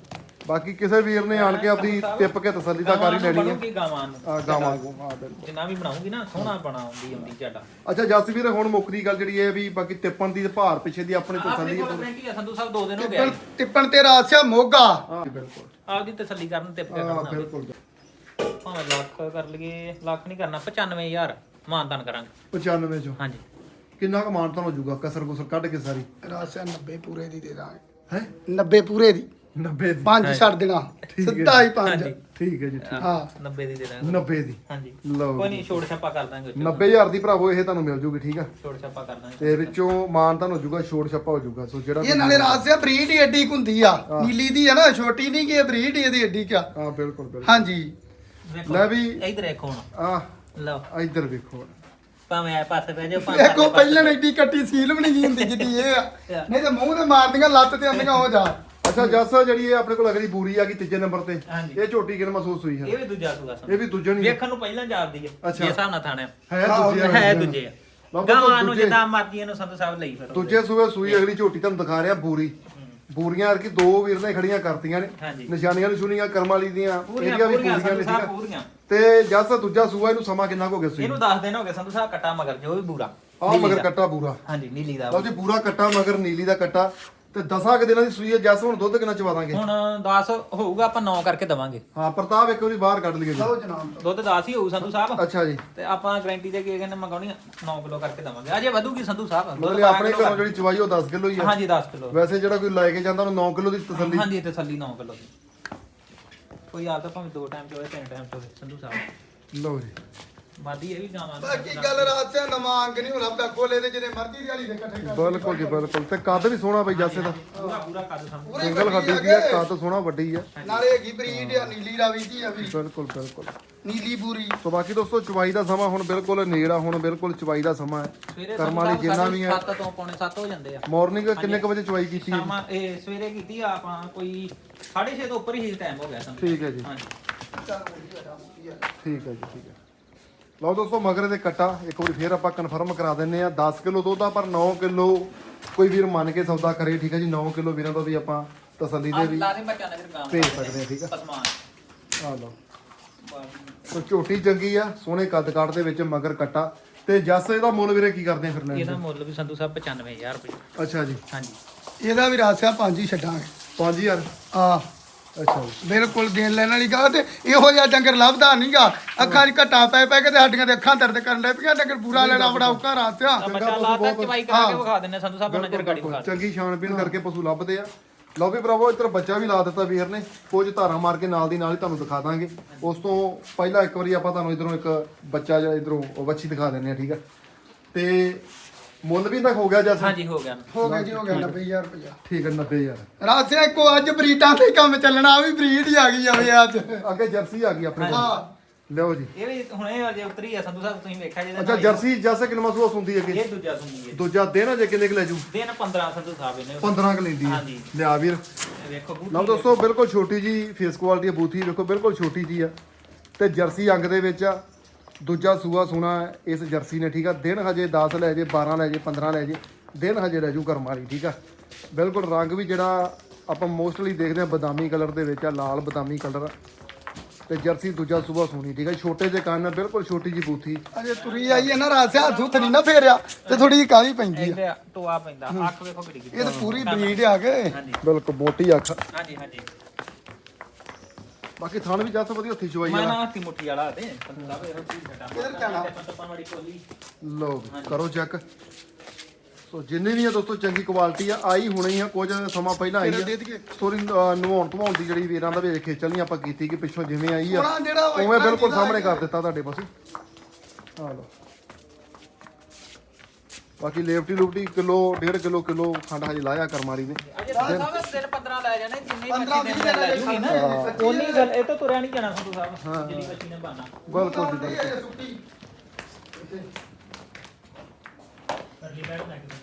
[SPEAKER 1] ਬਾਕੀ ਕਿਸੇ ਵੀਰ ਨੇ ਆਣ ਕੇ ਆਪਦੀ ਟਿੱਪ ਕੇ ਤਸੱਲੀ ਦਾ ਕਰ ਹੀ ਲੈਣੀ
[SPEAKER 2] ਬਣੂਗੀ ਗਾਵਾਂ ਨੂੰ
[SPEAKER 1] ਆ ਗਾਵਾਂ ਨੂੰ ਆ ਬਿਲਕੁਲ
[SPEAKER 2] ਜਿੰਨਾ ਵੀ ਬਣਾਉਂਗੀ ਨਾ ਸੋਹਣਾ ਬਣਾਉਂਦੀ ਆਉਂਦੀ ਝਾਟਾ
[SPEAKER 1] ਅੱਛਾ ਜਸ ਵੀਰ ਹੁਣ ਮੁੱਕਦੀ ਗੱਲ ਜਿਹੜੀ ਇਹ ਵੀ ਬਾਕੀ ਟਿੱਪਣ ਦੀ ਤੇ ਭਾਰ ਪਿੱਛੇ ਦੀ ਆਪਣੀ
[SPEAKER 2] ਆਪਣੀ
[SPEAKER 1] ਤਸੱਲੀ
[SPEAKER 2] ਕੋਲ ਗਰੰਟੀ ਆ ਸੰਧੂ ਸਾਹਿਬ 2 ਦਿਨ ਹੋ ਗਏ
[SPEAKER 3] ਟਿੱਪਣ ਤੇ ਰਾਸ ਆ ਮੋਗਾ।
[SPEAKER 1] ਹਾਂ ਬਿਲਕੁਲ
[SPEAKER 2] ਆਪਦੀ ਤਸੱਲੀ ਕਰਨ ਟਿੱਪ ਕੇ
[SPEAKER 1] ਹਾਂ
[SPEAKER 2] ਕਰਨਾ
[SPEAKER 1] ਬਿਲਕੁਲ
[SPEAKER 2] ਭਾਵੇਂ ਲੱਖ ਕਰ ਲਈਏ ਲੱਖ ਨਹੀਂ ਕਰਨਾ 95000 ਮਾਨਦਾਨ ਕਰਾਂਗੇ
[SPEAKER 1] 95 ਚੋਂ
[SPEAKER 2] ਹਾਂਜੀ
[SPEAKER 1] ਕਿੰਨਾ ਕੁ ਮਾਨਤਾਨ ਹੋ ਜਾਊਗਾ ਕਸਰ ਕੁਸਰ ਕੱਢ ਕੇ ਸਾਰੀ
[SPEAKER 3] ਰਾਸ ਆ 90 ਪੂਰੇ ਦੀ ਦੇ ਦਾਂਗੇ।
[SPEAKER 1] ਹੈ
[SPEAKER 3] 90 ਪੂਰੇ ਦੀ
[SPEAKER 1] 90 ਦੀ
[SPEAKER 3] 5 ਛੱਡ ਦੇਣਾ ਸਿੱਧਾ ਹੀ 5।
[SPEAKER 2] ਹਾਂਜੀ
[SPEAKER 1] ਠੀਕ ਹੈ ਜੀ ਠੀਕ
[SPEAKER 3] ਹਾਂ
[SPEAKER 2] 90 ਦੀ ਦੇ ਦਾਂਗੇ
[SPEAKER 1] 90 ਦੀ
[SPEAKER 2] ਹਾਂਜੀ
[SPEAKER 1] ਲਓ
[SPEAKER 2] ਕੋਈ ਨਹੀਂ ਛੋੜ ਛਾਪਾ ਕਰ ਦਾਂਗੇ
[SPEAKER 1] 90000 ਦੀ ਭਰਾਵੋ ਇਹ ਤੁਹਾਨੂੰ ਮਿਲ ਜੂਗੀ ਠੀਕ ਆ
[SPEAKER 2] ਛੋੜ ਛਾਪਾ ਕਰ ਦਾਂਗੇ
[SPEAKER 1] ਤੇ ਵਿੱਚੋਂ ਮਾਨਤਾਨ ਹੋ ਜਾਊਗਾ ਛੋੜ ਛੱਪਾ ਹੋ ਜਾਊਗਾ ਸੋ ਜਿਹੜਾ
[SPEAKER 3] ਇਹ ਨਾਲੇ ਰਾਸ ਆ ਬਰੀਡ ਹੀ ਏਡੀ ਹੁੰਦੀ ਆ ਨੀਲੀ ਦੀ ਆ ਨਾ ਛੋਟੀ ਨਹੀਂ ਕਿ ਬਰੀਡ ਇਹਦੀ ਏਡੀ ਕਿਆ।
[SPEAKER 1] ਹਾਂ ਬਿਲਕੁਲ ਬਿਲਕੁਲ
[SPEAKER 3] ਹਾਂਜੀ
[SPEAKER 2] ਵੇਖੋ
[SPEAKER 1] ਲੈ ਵੀ
[SPEAKER 2] ਇਧਰ ਦੇਖੋ ਹੁਣ
[SPEAKER 1] ਆ
[SPEAKER 2] ਲਓ
[SPEAKER 1] ਇੱਧਰ ਵੇਖੋ
[SPEAKER 2] ਭਾਵੇਂ ਆ ਪਾਸੇ ਬਹਿ ਜਾਓ ਭਾਵੇਂ
[SPEAKER 3] ਦੇਖੋ ਪਹਿਲਾਂ ਏਡੀ ਕੱਟੀ ਸੀਲ ਬਣੀ ਗਈ ਹੁੰਦੀ ਜਿੱਡੀ ਇਹ ਆ ਨਹੀਂ ਤੇ ਮੂੰਹ ਤੇ ਮਾਰਦੀਆਂ ਲੱਤ ਤੇ ਆਂਦੀਆਂ ਹੋ ਜਾ।
[SPEAKER 1] ਅੱਛਾ ਜੱਸ ਜਿਹੜੀ ਇਹ ਆਪਣੇ ਕੋਲ ਅਗਲੀ ਬੂਰੀ ਆ ਗਈ ਤੀਜੇ ਨੰਬਰ ਤੇ
[SPEAKER 2] ਹਾਂਜੀ
[SPEAKER 1] ਇਹ ਝੋਟੀ ਕਿਨ ਮਹਿਸੂਸ ਹੋਈ ਹੈ
[SPEAKER 2] ਇਹ ਵੀ ਦੂਜਾ ਸੂਆ
[SPEAKER 1] ਇਹ ਵੀ ਦੂਜੇ ਨਹੀਂ
[SPEAKER 2] ਵੇਖਣ ਨੂੰ ਪਹਿਲਾਂ ਜਾਪਦੀ ਹੈ
[SPEAKER 1] ਅੱਛਾ।
[SPEAKER 2] ਜੇ ਹਿਸਾਬ ਨਾਲ ਥਾਣਿਆ
[SPEAKER 1] ਹੈ ਦੂਜੇ ਆ।
[SPEAKER 2] ਹੈ ਦੂਜੇ ਆ
[SPEAKER 1] ਬਾਬਾ
[SPEAKER 2] ਗਾਵਾਂ ਨੂੰ
[SPEAKER 1] ਦੂਜੇ-
[SPEAKER 2] ਜਿੱਦਾਂ ਮਰਜ਼ੀ ਇਹਨੂੰ ਸੰਤ ਸਾਹਿਬ ਲਈ ਫਿਰ
[SPEAKER 1] ਦੂਜੇ ਸੂਏ ਸੂਈ ਅਗਲੀ ਝੋਟੀ ਤੁਹਾਨੂੰ ਦਿਖਾ ਰਿਹਾ ਬੂਰੀ ਬੂਰੀਆਂ ਅਰਕੀ ਦੋ ਵੀਰ ਨੇ ਖੜੀਆਂ ਕਰਤੀਆਂ ਨੇ
[SPEAKER 2] ਹਾਂਜੀ
[SPEAKER 1] ਨਿਸ਼ਾਨੀਆਂ ਨਿਸ਼ੂਨੀਆਂ ਕਰਮ ਵਾਲੀ ਦੀਆਂ
[SPEAKER 2] ਪੂਰੀਆਂ
[SPEAKER 1] ਇਹਦੀਆਂ ਵੀ
[SPEAKER 2] ਪੂਰੀਆਂ
[SPEAKER 1] ਪੂਰੀਆਂ ਨੇ
[SPEAKER 2] ਸੰਤ
[SPEAKER 1] ਠੀਕ
[SPEAKER 2] ਸਾਹਿਬ
[SPEAKER 1] ਆ
[SPEAKER 2] ਪੂਰੀਆਂ
[SPEAKER 1] ਤੇ ਜੱਸ ਦੂਜਾ ਸੂਆ ਇਹਨੂੰ ਸਮਾਂ ਕਿੰਨਾ ਕੁ ਹੋ ਗਿਆ ਸੂਈ
[SPEAKER 2] ਇਹਨੂੰ 10 ਦਿਨ ਹੋ ਗਏ ਸੰਤ ਸਾਹਿਬ ਕੱਟਾ ਮਗਰ ਜੋ ਵੀ ਬੂਰਾ
[SPEAKER 1] ਆ ਮਗਰ ਕੱਟਾ ਬੂਰਾ
[SPEAKER 2] ਹਾਂਜੀ ਨੀਲੀ ਦਾ
[SPEAKER 1] ਲਓ ਜੀ ਪੂਰਾ ਕੱਟਾ ਮਗਰ ਨੀਲੀ ਦਾ ਕੱਟਾ ਤੇ 10 ਕੁ ਦਿਨਾਂ ਦੀ ਸੂਈ ਹੈ ਜੱਸ ਹੁਣ ਦੁੱਧ ਕਿੰਨਾ ਚਵਾ ਦਾਂਗੇ
[SPEAKER 2] ਹੁਣ 10 ਹੋਊਗਾ ਆਪਾਂ 9 ਕਰਕੇ ਦਵਾਂਗੇ
[SPEAKER 1] ਹਾਂ ਪ੍ਰਤਾਪ ਇੱਕ ਵਾਰੀ ਬਾਹਰ ਕੱਢ ਲਈਏ ਜੀ
[SPEAKER 3] ਲਓ ਜਨਾਬ
[SPEAKER 2] ਦੁੱਧ 10 ਹੀ ਹੋਊ ਸੰਧੂ ਸਾਹਿਬ
[SPEAKER 1] ਅੱਛਾ ਜੀ
[SPEAKER 2] ਤੇ ਆਪਾਂ ਗਾਰੰਟੀ ਦੇ ਕੇ ਕਹਿੰਦੇ ਮੰਗਾਉਣੀ 9 ਕਿਲੋ ਕਰਕੇ ਦਵਾਂਗੇ ਅਜੇ ਵਧੂਗੀ ਸੰਧੂ ਸਾਹਿਬ ਦੁੱਧ
[SPEAKER 1] ਮਤਲਬ ਆਪਣੇ ਘਰੋਂ ਜਿਹੜੀ ਚਵਾਈ ਉਹ 10 ਕਿਲੋ ਹੀ ਆ
[SPEAKER 2] ਹਾਂਜੀ 10 ਕਿਲੋ
[SPEAKER 1] ਵੈਸੇ ਜਿਹੜਾ ਕੋਈ ਲੈ ਕੇ ਜਾਂਦਾ ਉਹਨੂੰ 9 ਕਿਲੋ ਦੀ ਤਸੱਲੀ
[SPEAKER 2] ਹਾਂਜੀ ਤਸੱਲੀ 9 ਕਿਲੋ ਦੀ ਕੋਈ ਆ ਤਾਂ ਭਾਵੇਂ 2 ਟਾਈਮ ਚ ਹੋਵੇ 3 ਟਾਈਮ ਚ ਹੋਵੇ ਸੰਧੂ ਸਾਹਿਬ
[SPEAKER 1] ਲਓ ਜੀ
[SPEAKER 2] ਵਾਦੀ ਇਹ ਵੀ ਗਾਵਾਂ
[SPEAKER 3] ਬਾਕੀ ਗੱਲ ਰਾਸ ਆ ਨਵਾਂ ਅੰਗ ਨਹੀਂ ਹੁਣ ਲੱਭਦਾ ਗੋਲੇ ਦੇ ਜਿਹਨੇ ਮਰਜ਼ੀ ਦੀ ਵਾਲੀ ਦੇ ਇਕੱਠੇ ਕਰ
[SPEAKER 1] ਬਿਲਕੁਲ ਜੀ ਬਿਲਕੁਲ ਤੇ ਕੱਦ ਵੀ ਸੋਹਣਾ ਬਈ ਜੱਸੇ ਦਾ
[SPEAKER 2] ਪੂਰਾ ਪੂਰਾ ਕੱਦ ਸੰਧੂ
[SPEAKER 3] ਪੂਰੀ
[SPEAKER 1] ਸਿੰਗਲ
[SPEAKER 3] ਵੱਡੀ
[SPEAKER 1] ਹੱਡੀ ਦੀ ਆ ਕੱਦ ਸੋਹਣਾ ਵੱਡੀ ਆ
[SPEAKER 3] ਨਾਲੇ ਹੈਗੀ ਬਰੀਡ ਆ ਨੀਲੀ ਰਾਵੀ ਦੀ ਆ ਵੀ
[SPEAKER 1] ਬਿਲਕੁਲ ਬਿਲਕੁਲ
[SPEAKER 3] ਨੀਲੀ ਪੂਰੀ
[SPEAKER 1] ਸੋ ਬਾਕੀ ਦੋਸਤੋ ਚਵਾਈ ਦਾ ਸਮਾਂ ਹੁਣ ਬਿਲਕੁਲ ਨੇੜਾ ਹੁਣ ਬਿਲਕੁਲ ਚਵਾਈ ਦਾ ਸਮਾਂ ਹੈ
[SPEAKER 2] ਸਵੇਰੇ
[SPEAKER 1] ਕਰਮ ਵਾਲੀ ਜਿੰਨਾ ਵੀ ਹੈ
[SPEAKER 2] 7 ਤੋਂ ਪੌਣੇ 7 ਹੋ ਜਾਂਦੇ ਆ
[SPEAKER 1] ਮਾਰਨਿੰਗ ਕਿੰਨੇ ਕੁ ਵਜੇ ਚਵਾਈ ਕੀਤੀ ਹੈ
[SPEAKER 2] ਸ਼ਾਮਾਂ ਇਹ ਸਵੇਰੇ ਕੀਤੀ ਆ ਆਪਾਂ ਕੋਈ 6:30 ਤੋਂ ਉੱਪਰ ਹੀ ਟਾਈਮ ਹੋ ਗਿਆ ਸੰਧੂ
[SPEAKER 1] ਠੀਕ ਹੈ ਜੀ
[SPEAKER 2] ਹਾਂਜੀ
[SPEAKER 1] ਠੀਕ ਹੈ ਜੀ ਠੀਕ ਹੈ ਲਓ ਦੋਸਤੋ ਮਗਰੇ ਦੇ ਕੱਟਾ ਇੱਕ ਵਾਰੀ ਫੇਰ ਆਪਾਂ ਕਨਫਰਮ ਕਰਾ ਦਿੰਨੇ ਆ 10 ਕਿਲੋ ਦੁੱਧ ਆ ਪਰ 9 ਕਿਲੋ ਕੋਈ ਵੀਰ ਮੰਨ ਕੇ ਸੌਦਾ ਕਰੇ ਠੀਕ ਹੈ ਜੀ 9 ਕਿਲੋ ਵੀਰਾਂ ਦਾ ਵੀ ਆਪਾਂ ਤਸੱਲੀ ਦੇ ਵੀ
[SPEAKER 2] ਲਾਜ਼ਮ ਬੱਚਾ ਨਗਰ ਗਾਂ
[SPEAKER 1] ਭੇਜ ਸਕਦੇ ਆ ਠੀਕ ਆ
[SPEAKER 2] ਪਸਮਾਨ
[SPEAKER 1] ਆ ਲਓ ਸੋ ਝੋਟੀ ਚੰਗੀ ਆ ਸੋਹਣੇ ਕੱਦ ਕਾਠ ਦੇ ਵਿੱਚ ਮਗਰ ਕੱਟਾ ਤੇ ਜੱਸ ਇਹਦਾ ਮੁੱਲ ਵੀਰੇ ਕੀ ਕਰਦੇ ਆ ਫਿਰ ਲੈਣ
[SPEAKER 2] ਇਹਦਾ ਮੁੱਲ ਵੀ ਸੰਧੂ ਸਾਹਿਬ 95000 ਰੁਪਏ
[SPEAKER 1] ਦਾ? ਅੱਛਾ ਜੀ
[SPEAKER 2] ਹਾਂਜੀ
[SPEAKER 3] ਇਹਦਾ ਵੀ ਰਾਸ ਆ 5 ਹੀ ਛੱਡਾਂਗੇ
[SPEAKER 1] 5000
[SPEAKER 3] ਆ
[SPEAKER 1] ਅੱਛਾ ਜੀ
[SPEAKER 3] ਬਿਲਕੁਲ ਦੇਣ ਲੈਣ ਵਾਲੀ ਗੱਲ ਤੇ ਇਹੋ ਜਿਹਾ ਡੰਗਰ ਲੱਭਦਾ ਨਹੀਂਗਾ ਅੱਖਾਂ 'ਚ ਘਟਾ ਪੈ ਪੈ ਕੇ ਤੇ ਸਾਡੀਆਂ ਦੇ ਅੱਖਾਂ ਦਰਦ ਕਰਨ ਲੱਗ ਪਈਆਂ ਡੰਗਰ ਪੂਰਾ ਲੈਣਾ ਬੜਾ ਔਖਾ ਰਾਤ ਆ
[SPEAKER 2] ਬੱਚਾ ਲਾਤਾ ਚਵਾਈ ਕਰਾ ਕੇ ਵਿਖਾ ਦਿੰਨੇ ਸੰਧੂ ਸਾਹਿਬ ਨਜ਼ਰ ਗਾੜੀ ਵਿਖਾ
[SPEAKER 1] ਚੰਗੀ ਛਾਣ ਪੀਣ ਕਰਕੇ ਪਸ਼ੂ ਲੱਭਦੇ ਆ ਲਓ ਵੀ ਭਰਾਵੋ ਇੱਧਰ ਬੱਚਾ ਵੀ ਲਾ ਦਿੱਤਾ ਵੀਰ ਨੇ ਕੁਝ ਧਾਰਾਂ ਮਾਰ ਕੇ ਨਾਲ ਦੀ ਨਾਲ ਹੀ ਤੁਹਾਨੂੰ ਦਿਖਾ ਦਾਂਗੇ ਉਸ ਤੋਂ ਪਹਿਲਾਂ ਇੱਕ ਵਾਰੀ ਆਪਾਂ ਤੁਹਾਨੂੰ ਇਧਰੋਂ ਇੱਕ ਬੱਚਾ ਜਿਹੜਾ ਇਧਰੋਂ ਉਹ ਵੱਛੀ ਦਿਖਾ ਦਿੰਨੇ ਆ ਠੀਕ ਆ ਤੇ ਮੁੱਲ ਵੀ ਤੱਕ ਹੋ ਗਿਆ ਜੱਸ
[SPEAKER 2] ਹਾਂਜੀ ਹੋ ਗਿਆ
[SPEAKER 3] ਹੋ ਗਿਆ ਜੀ ਹੋ ਗਿਆ 90000 ਰੁਪਇਆ
[SPEAKER 1] ਠੀਕ ਹੈ 90000
[SPEAKER 3] ਰਾਸਿਆ ਇੱਕੋ ਅੱਜ ਬਰੀਡਾਂ ਤੇ ਕੰਮ ਚੱਲਣਾ ਆ ਵੀ ਬਰੀਡ ਹੀ ਆ ਗਈ ਜਾਵੇ ਅੱਜ
[SPEAKER 1] ਅੱਗੇ ਜਰਸੀ ਆ ਗਈ ਆਪਣੇ ਕੋਲ
[SPEAKER 3] ਹਾਂ
[SPEAKER 1] ਲਿਓ ਜੀ
[SPEAKER 2] ਇਹ ਵੀ ਹੁਣੇ ਅਜੇ ਉਤਰੀ ਆ ਸੰਧੂ ਸਾਹਿਬ ਤੁਸੀਂ ਵੇਖਿਆ ਜਿਹਦੇ
[SPEAKER 1] ਅੱਛਾ ਜਰਸੀ ਜੱਸ ਕਿੰਨਾ ਮਸੂਸ ਹੁੰਦੀ ਹੈ ਕਿ
[SPEAKER 2] ਇਹ ਦੂਜਾ ਸੁਣਦੀ ਹੈ
[SPEAKER 1] ਦੂਜਾ ਦਿਨ ਅਜੇ ਕਿੰਨੇ ਕੁ ਲੈ ਜੂ
[SPEAKER 2] ਦਿਨ 15 ਸੰਧੂ ਸਾਹਿਬ ਇਹਨੇ
[SPEAKER 1] 15 ਕ ਲੈਂਦੀ ਹੈ
[SPEAKER 2] ਹਾਂਜੀ।
[SPEAKER 1] ਲਿਆ ਵੀਰ
[SPEAKER 2] ਇਹ ਵੇਖੋ ਬੂਟੀ
[SPEAKER 1] ਲਓ ਦੋਸਤੋ ਬਿਲਕੁਲ ਛੋਟੀ ਜੀ ਫੇਸ ਕੁਆਲਿਟੀ ਬੂਥੀ ਵੇਖੋ ਬਿਲਕੁਲ ਛੋਟੀ ਜੀ ਆ ਤੇ ਜਰਸੀ ਅੰਗ ਦੇ ਵਿੱਚ ਆ ਦੂਜਾ ਸੂਆ ਸੋਨਾ ਇਸ ਜਰਸੀ ਨੇ ਠੀਕ ਆ ਦਿਨ ਹਜੇ 10 ਲੈ ਜੇ 12 ਲੈ ਜੇ 15 ਲੈ ਜੇ ਦਿਨ ਹਜੇ ਲੈ ਜੂ ਕਰਮ ਵਾਲੀ ਠੀਕ ਆ ਬਿਲਕੁਲ ਰੰਗ ਵੀ ਜਿਹੜਾ ਆਪਾਂ ਮੋਸਟਲੀ ਦੇਖਦੇ ਆ ਬਦਾਮੀ ਕਲਰ ਦੇ ਵਿੱਚ ਆ ਲਾਲ ਬਦਾਮੀ ਕਲਰ ਤੇ ਜਰਸੀ ਦੂਜਾ ਸੂਆ ਸੋਨੀ ਠੀਕ ਆ ਛੋਟੇ ਜਿਹੇ ਕੰਨ ਆ, ਬਿਲਕੁਲ ਛੋਟੀ ਜੀ ਬੂਥੀ
[SPEAKER 3] ਅਜੇ ਤੁਰੀ ਆਈ ਹੈ ਨਾ ਰਾਸਿਆ ਹੱਥ ਹੁੱਥ ਨਹੀਂ ਨਾ ਫੇਰਿਆ ਤੇ ਥੋੜੀ ਜਿਹੀ ਕਾਹਲੀ ਪੈਂਦੀ ਆ
[SPEAKER 2] ਇਹਦੇ ਟੋਆ ਪੈਂਦਾ ਅੱਖ ਵੇਖੋ ਕਿੱਡੀ ਕਿੱਡੀ
[SPEAKER 3] ਇਹ ਤਾਂ ਪੂਰੀ ਬਰੀਡ ਆ ਗਏ
[SPEAKER 2] ਹਾਂਜੀ
[SPEAKER 1] ਬਿਲਕੁਲ ਮੋਟੀ ਅੱਖ
[SPEAKER 2] ਹਾਂਜੀ ਹਾਂਜੀ
[SPEAKER 1] ਬਾਕੀ ਥਣ ਵੀ ਜੱਸ ਵਧੀਆ ਹੱਥੀ ਚਵਾਈ
[SPEAKER 2] ਮੈਂ
[SPEAKER 1] ਵਾਲਾ
[SPEAKER 2] ਨਾ ਹੱਥੀ ਮੁੱਠੀ ਵਾਲਾ ਤੇ ਸੰਧੂ ਸਾਹਿਬ ਇਹੋ ਚੀਜ਼ ਛੱਡਾਂ
[SPEAKER 3] ਕਿੱਧਰ ਜਾਣਾ?
[SPEAKER 2] ਪੱਤਪਾਂ ਵਾਲੀ ਕੋਲੀ
[SPEAKER 1] ਲਓ ਵੀ, ਕਰੋ ਚੈੱਕ ਸੋ ਜਿੰਨੇ ਵੀ ਆ ਦੋਸਤੋ ਚੰਗੀ ਕੁਆਲਿਟੀ ਆ, ਆਈ ਹੁਣੇ ਆ, ਕੁਝ ਸਮਾਂ ਪਹਿਲਾਂ ਆਈ
[SPEAKER 3] ਦੇ
[SPEAKER 1] ਆ
[SPEAKER 3] ਦਈਏ
[SPEAKER 1] ਸਟੋਰੀ ਨਵਾਉਣ ਧਵਾਉਣ ਦੀ ਜਿਹੜੀ ਵੀਰਾਂ ਦਾ ਵੇਖ ਖੇਚਲ ਨਹੀਂ ਆਪਾਂ ਕੀਤੀ ਕਿ ਪਿੱਛੋਂ ਜਿਵੇਂ ਆਈ ਆ
[SPEAKER 3] ਸੋਹਣਾ ਜਿਹੜਾ ਉਹ
[SPEAKER 1] ਉਵੇਂ ਬਿਲਕੁਲ
[SPEAKER 3] ਜਿਹੜਾ
[SPEAKER 1] ਸਾਹਮਣੇ ਕਰ ਦਿੱਤਾ ਤੁਹਾਡੇ ਪਾਸੇ। ਆ ਲਓ ਬਾਕੀ ਲੇਫਟੀ ਲੂਫਟੀ ਕਿਲੋ 1.5 ਕਿਲੋ ਖੰਡ ਹਜੇ ਲਾਇਆ ਕਰਮਾਲੀ ਨੇ।
[SPEAKER 2] ਅਜੇ ਸਾਹਿਬ ਦਿਨ 15 ਲੈ ਜਾਣੇ ਜਿੰਨੇ
[SPEAKER 3] 15
[SPEAKER 2] ਮੱਛੀ
[SPEAKER 3] 20
[SPEAKER 2] ਦਿਨ
[SPEAKER 3] ਦਿਨ
[SPEAKER 2] ਲੈ ਜੂਗੀ ਨਾ ਉਨੀ ਗੱਲ ਇਹ ਤਾਂ ਤੁਰਿਆ ਨਹੀਂ ਜਾਣਾ ਸੰਧੂ ਸਾਹਿਬ ਜਿਹੜੀ ਮੱਛੀ ਨੇ ਬਾਨਾ
[SPEAKER 1] ਬਿਲਕੁਲ ਜੀ ਬਿਲਕੁਲ।
[SPEAKER 3] ਸੁੱਕੀ
[SPEAKER 2] ਕਰਲੀ ਬੈਠ ਲੈ ਕੇ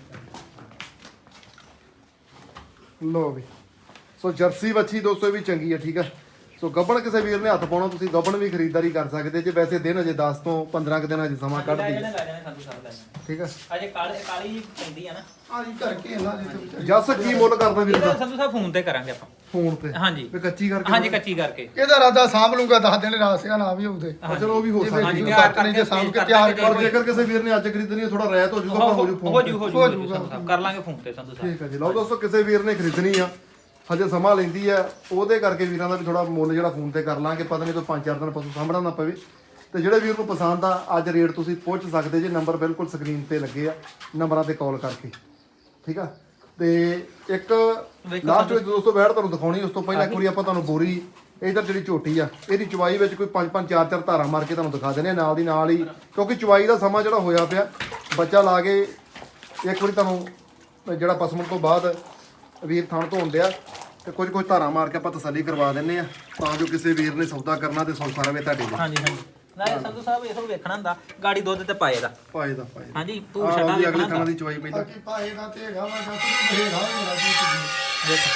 [SPEAKER 1] ਲੋ ਵੀ ਸੋ ਜਰਸੀ ਵੱਛੀ ਦੋਸਤੋ ਇਹ ਵੀ ਚੰਗੀ ਹੈ ਠੀਕ ਹੈ। ਸੋ ਗੱਬਣ ਕਿਸੇ ਵੀਰ ਨੇ ਹੱਥ ਪਾਉਣਾ ਤੁਸੀਂ ਗੱਬਣ ਵੀ ਖਰੀਦਦਾਰੀ ਕਰ ਸਕਦੇ ਜੇ, ਵੈਸੇ ਦਿਨ ਅਜੇ 10 ਤੋਂ 15 ਕੁ ਦਿਨ ਅਜੇ ਸਮਾਂ ਕੱਢਦੀ
[SPEAKER 2] ਲੈ
[SPEAKER 1] ਹੈ
[SPEAKER 2] ਜਾਣੇ ਸੰਧੂ ਸਾਹਿਬ ਲੈ ਜਾਣੇ
[SPEAKER 1] ਠੀਕ ਹੈ।
[SPEAKER 2] ਅਜੇ ਕਾਲੀ ਜੀ ਪੈਂਦੀ ਆ ਨਾ
[SPEAKER 3] ਆ ਜੀ ਕਰਕੇ ਇਹਨਾਂ ਦੇ
[SPEAKER 1] ਜੱਸ ਕੀ ਮੁੱਲ ਕਰਦਾ ਵੀਰ
[SPEAKER 2] ਇਹਦਾ
[SPEAKER 1] ਦਾ
[SPEAKER 2] ਸੰਧੂ ਸਾਹਿਬ ਫੋਨ ਤੇ ਕਰਾਂਗੇ ਆਪਾਂ
[SPEAKER 1] ਫੋਨ ਤੇ
[SPEAKER 2] ਹਾਂਜੀ
[SPEAKER 1] ਵੀ ਕੱਚੀ ਕਰਕੇ
[SPEAKER 2] ਹਾਂਜੀ ਕੱਚੀ ਕਰਕੇ
[SPEAKER 3] ਇਹਦਾ ਰਾਦਾ ਸਾਂਭ ਲੂੰਗਾ 10 ਦਿਨ ਰਾਸਿਆ ਨਾ ਵੀ ਹੋਊਦੇ
[SPEAKER 1] ਚਲੋ ਉਹ ਵੀ ਹੋ ਸਕਦਾ
[SPEAKER 2] ਹਾਂਜੀ
[SPEAKER 1] ਹੈ।
[SPEAKER 2] ਤਿਆਰ
[SPEAKER 3] ਸੱਤ ਨਹੀਂ
[SPEAKER 2] ਕਰਕੇ
[SPEAKER 3] ਤੇ ਸਾਂਭ ਕੇ
[SPEAKER 2] ਕਰ
[SPEAKER 3] ਤਿਆਰ
[SPEAKER 2] ਦਾਂਗੇ।
[SPEAKER 1] ਪਰ ਜੇਕਰ ਕਿਸੇ ਵੀਰ ਨੇ ਅੱਜ ਖਰੀਦਣੀ ਹੈ ਥੋੜਾ ਰਹਿਤ ਹੋ ਜਾਊਗਾ ਪਰ ਹੋ ਜੂ
[SPEAKER 2] ਹੋ
[SPEAKER 1] ਫੋਨ
[SPEAKER 2] ਜੂ
[SPEAKER 1] ਤੇ।
[SPEAKER 2] ਹੋ ਜੂ ਸੰਧੂ ਸਾਹਿਬ ਕਰ ਲਾਂਗੇ ਫੋਨ ਤੇ ਸੰਧੂ ਸਾਹਿਬ
[SPEAKER 1] ਠੀਕ ਹੈ ਜੀ ਲਓ ਦੋਸਤੋ ਕਿਸੇ ਵੀਰ ਨੇ ਖਰੀਦਣੀ ਆ ਹਜੇ ਸਮਾਂ ਲੈਂਦੀ ਆ ਉਹਦੇ ਕਰਕੇ ਵੀਰਾਂ ਦਾ ਵੀ ਥੋੜਾ ਮੁੱਲ ਜਿਹੜਾ ਫੋਨ ਤੇ ਕਰ ਲਾਂਗੇ, ਪਤਾ ਨਹੀਂ ਕੋਈ 5-4 ਦਿਨ ਪਸ਼ੂ ਸਾਂਭਣਾ ਨਾ ਪਵੇ। ਤੇ ਜਿਹੜੇ ਵੀਰ ਨੂੰ ਪਸੰਦ ਆ ਅੱਜ ਰੇਟ ਤੁਸੀਂ ਪੁੱਛ ਸਕਦੇ ਜੇ, ਨੰਬਰ ਬਿਲਕੁਲ ਸਕਰੀਨ ਤੇ ਲੱਗੇ ਆ, ਨੰਬਰਾਂ ਤੇ ਕਾਲ ਕਰਕੇ ਠੀਕ ਆ। ਤੇ ਇੱਕ ਲਾਸਟ ਵਿੱਚ ਦੋਸਤੋ ਬੈਠ ਤੁਹਾਨੂੰ ਦਿਖਾਉਣੀ, ਉਸ ਤੋਂ ਪਹਿਲਾਂ ਇੱਕ ਵਾਰੀ ਆਪਾਂ ਤੁਹਾਨੂੰ ਬੋਰੀ ਇਧਰ ਜਿਹੜੀ ਝੋਟੀ ਆ ਇਹਦੀ ਚਵਾਈ ਵਿੱਚ ਕੋਈ 5-5 4-4 ਧਾਰਾਂ ਮਾਰ ਕੇ ਤੁਹਾਨੂੰ ਦਿਖਾ ਦਿੰਦੇ ਆ ਨਾਲ ਦੀ ਨਾਲ ਹੀ, ਕਿਉਂਕਿ ਚਵਾਈ ਦਾ ਸਮਾਂ ਜਿਹੜਾ ਹੋਇਆ ਪਿਆ ਬੱਚਾ ਲਾ ਕੇ ਇੱਕ ਵਾਰੀ ਤੁਹਾਨੂੰ ਜਿਹੜਾ ਪਸਮਣ ਤੋਂ ਬਾਅਦ ਵੀਰ ਥਣ ਧੋਣ ਡਿਆ ਤੇ ਕੁਝ ਧਾਰਾਂ ਮਾਰ ਕੇ ਆਪਾਂ ਤਸੱਲੀ ਕਰਵਾ ਦਿੰਨੇ ਆ ਤਾਂ ਜੋ ਕਿਸੇ ਵੀਰ ਨੇ ਸੌਦਾ ਕਰਨਾ ਤੇ ਸੌਖਾ ਰਵੇ ਤੁਹਾਡੇ ਲਈ।
[SPEAKER 2] ਹਾਂਜੀ ਹਾਂਜੀ ਨਾਲੇ ਸੰਧੂ ਸਾਹਿਬ ਇਹੋ ਵੇਖਣਾ ਹੁੰਦਾ ਗਾੜੀ ਦੁੱਧ ਤੇ ਪਾਏ ਦਾ
[SPEAKER 1] ਪਾਏ ਦਾ
[SPEAKER 2] ਹਾਂਜੀ ਤੂੰ
[SPEAKER 1] ਆਹ
[SPEAKER 2] ਛੱਡਾ
[SPEAKER 1] ਉਹਦੀ ਅਗਲੇ
[SPEAKER 2] ਵੇਖਣਾ
[SPEAKER 1] ਥਾਂ ਦੀ ਚਵਾਈ ਪਹਿਲਾਂ
[SPEAKER 3] ਬਾਕੀ ਪਾਏ ਦਾ ਤੇ ਹੈਗਾ ਵਾ ਜੱਸ ਵੀ ਬਥੇਰਾ ਹੋਣਾ ਜੀ
[SPEAKER 2] ਦੇਖ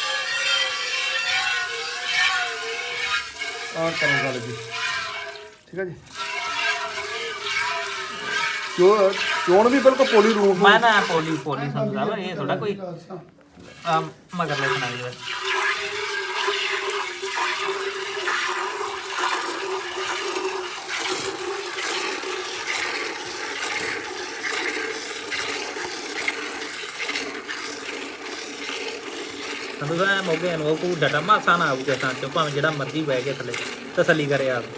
[SPEAKER 1] ਆਹ ਕਰੋ ਗੱਲ ਜੀ ਠੀਕ ਹੈ ਜੀ। ਚੋਣ ਵੀ ਬਿਲਕੁਲ ਪੋਲੀ ਰੂਪ
[SPEAKER 2] ਮੈਂ ਨਾ ਪੋਲੀ ਸੰਧੂ ਸਾਹਿਬ ਇਹ ਥੋੜਾ ਕੋਈ ਮਗਰ ਲੈਣਾ ਜੀ ਸੰਧੂ ਸਾਹਿਬ ਮੋਗੇ ਨੂੰ ਉਹ ਡਟਾ ਮਾਸਾ ਨਾ ਆਊਗਾ ਤਾਂ ਚੋਂ ਭਾਵੇਂ ਜਿਹੜਾ ਮਰਜ਼ੀ ਬਹਿ ਕੇ ਥੱਲੇ ਤਸੱਲੀ ਕਰੇ ਆਪ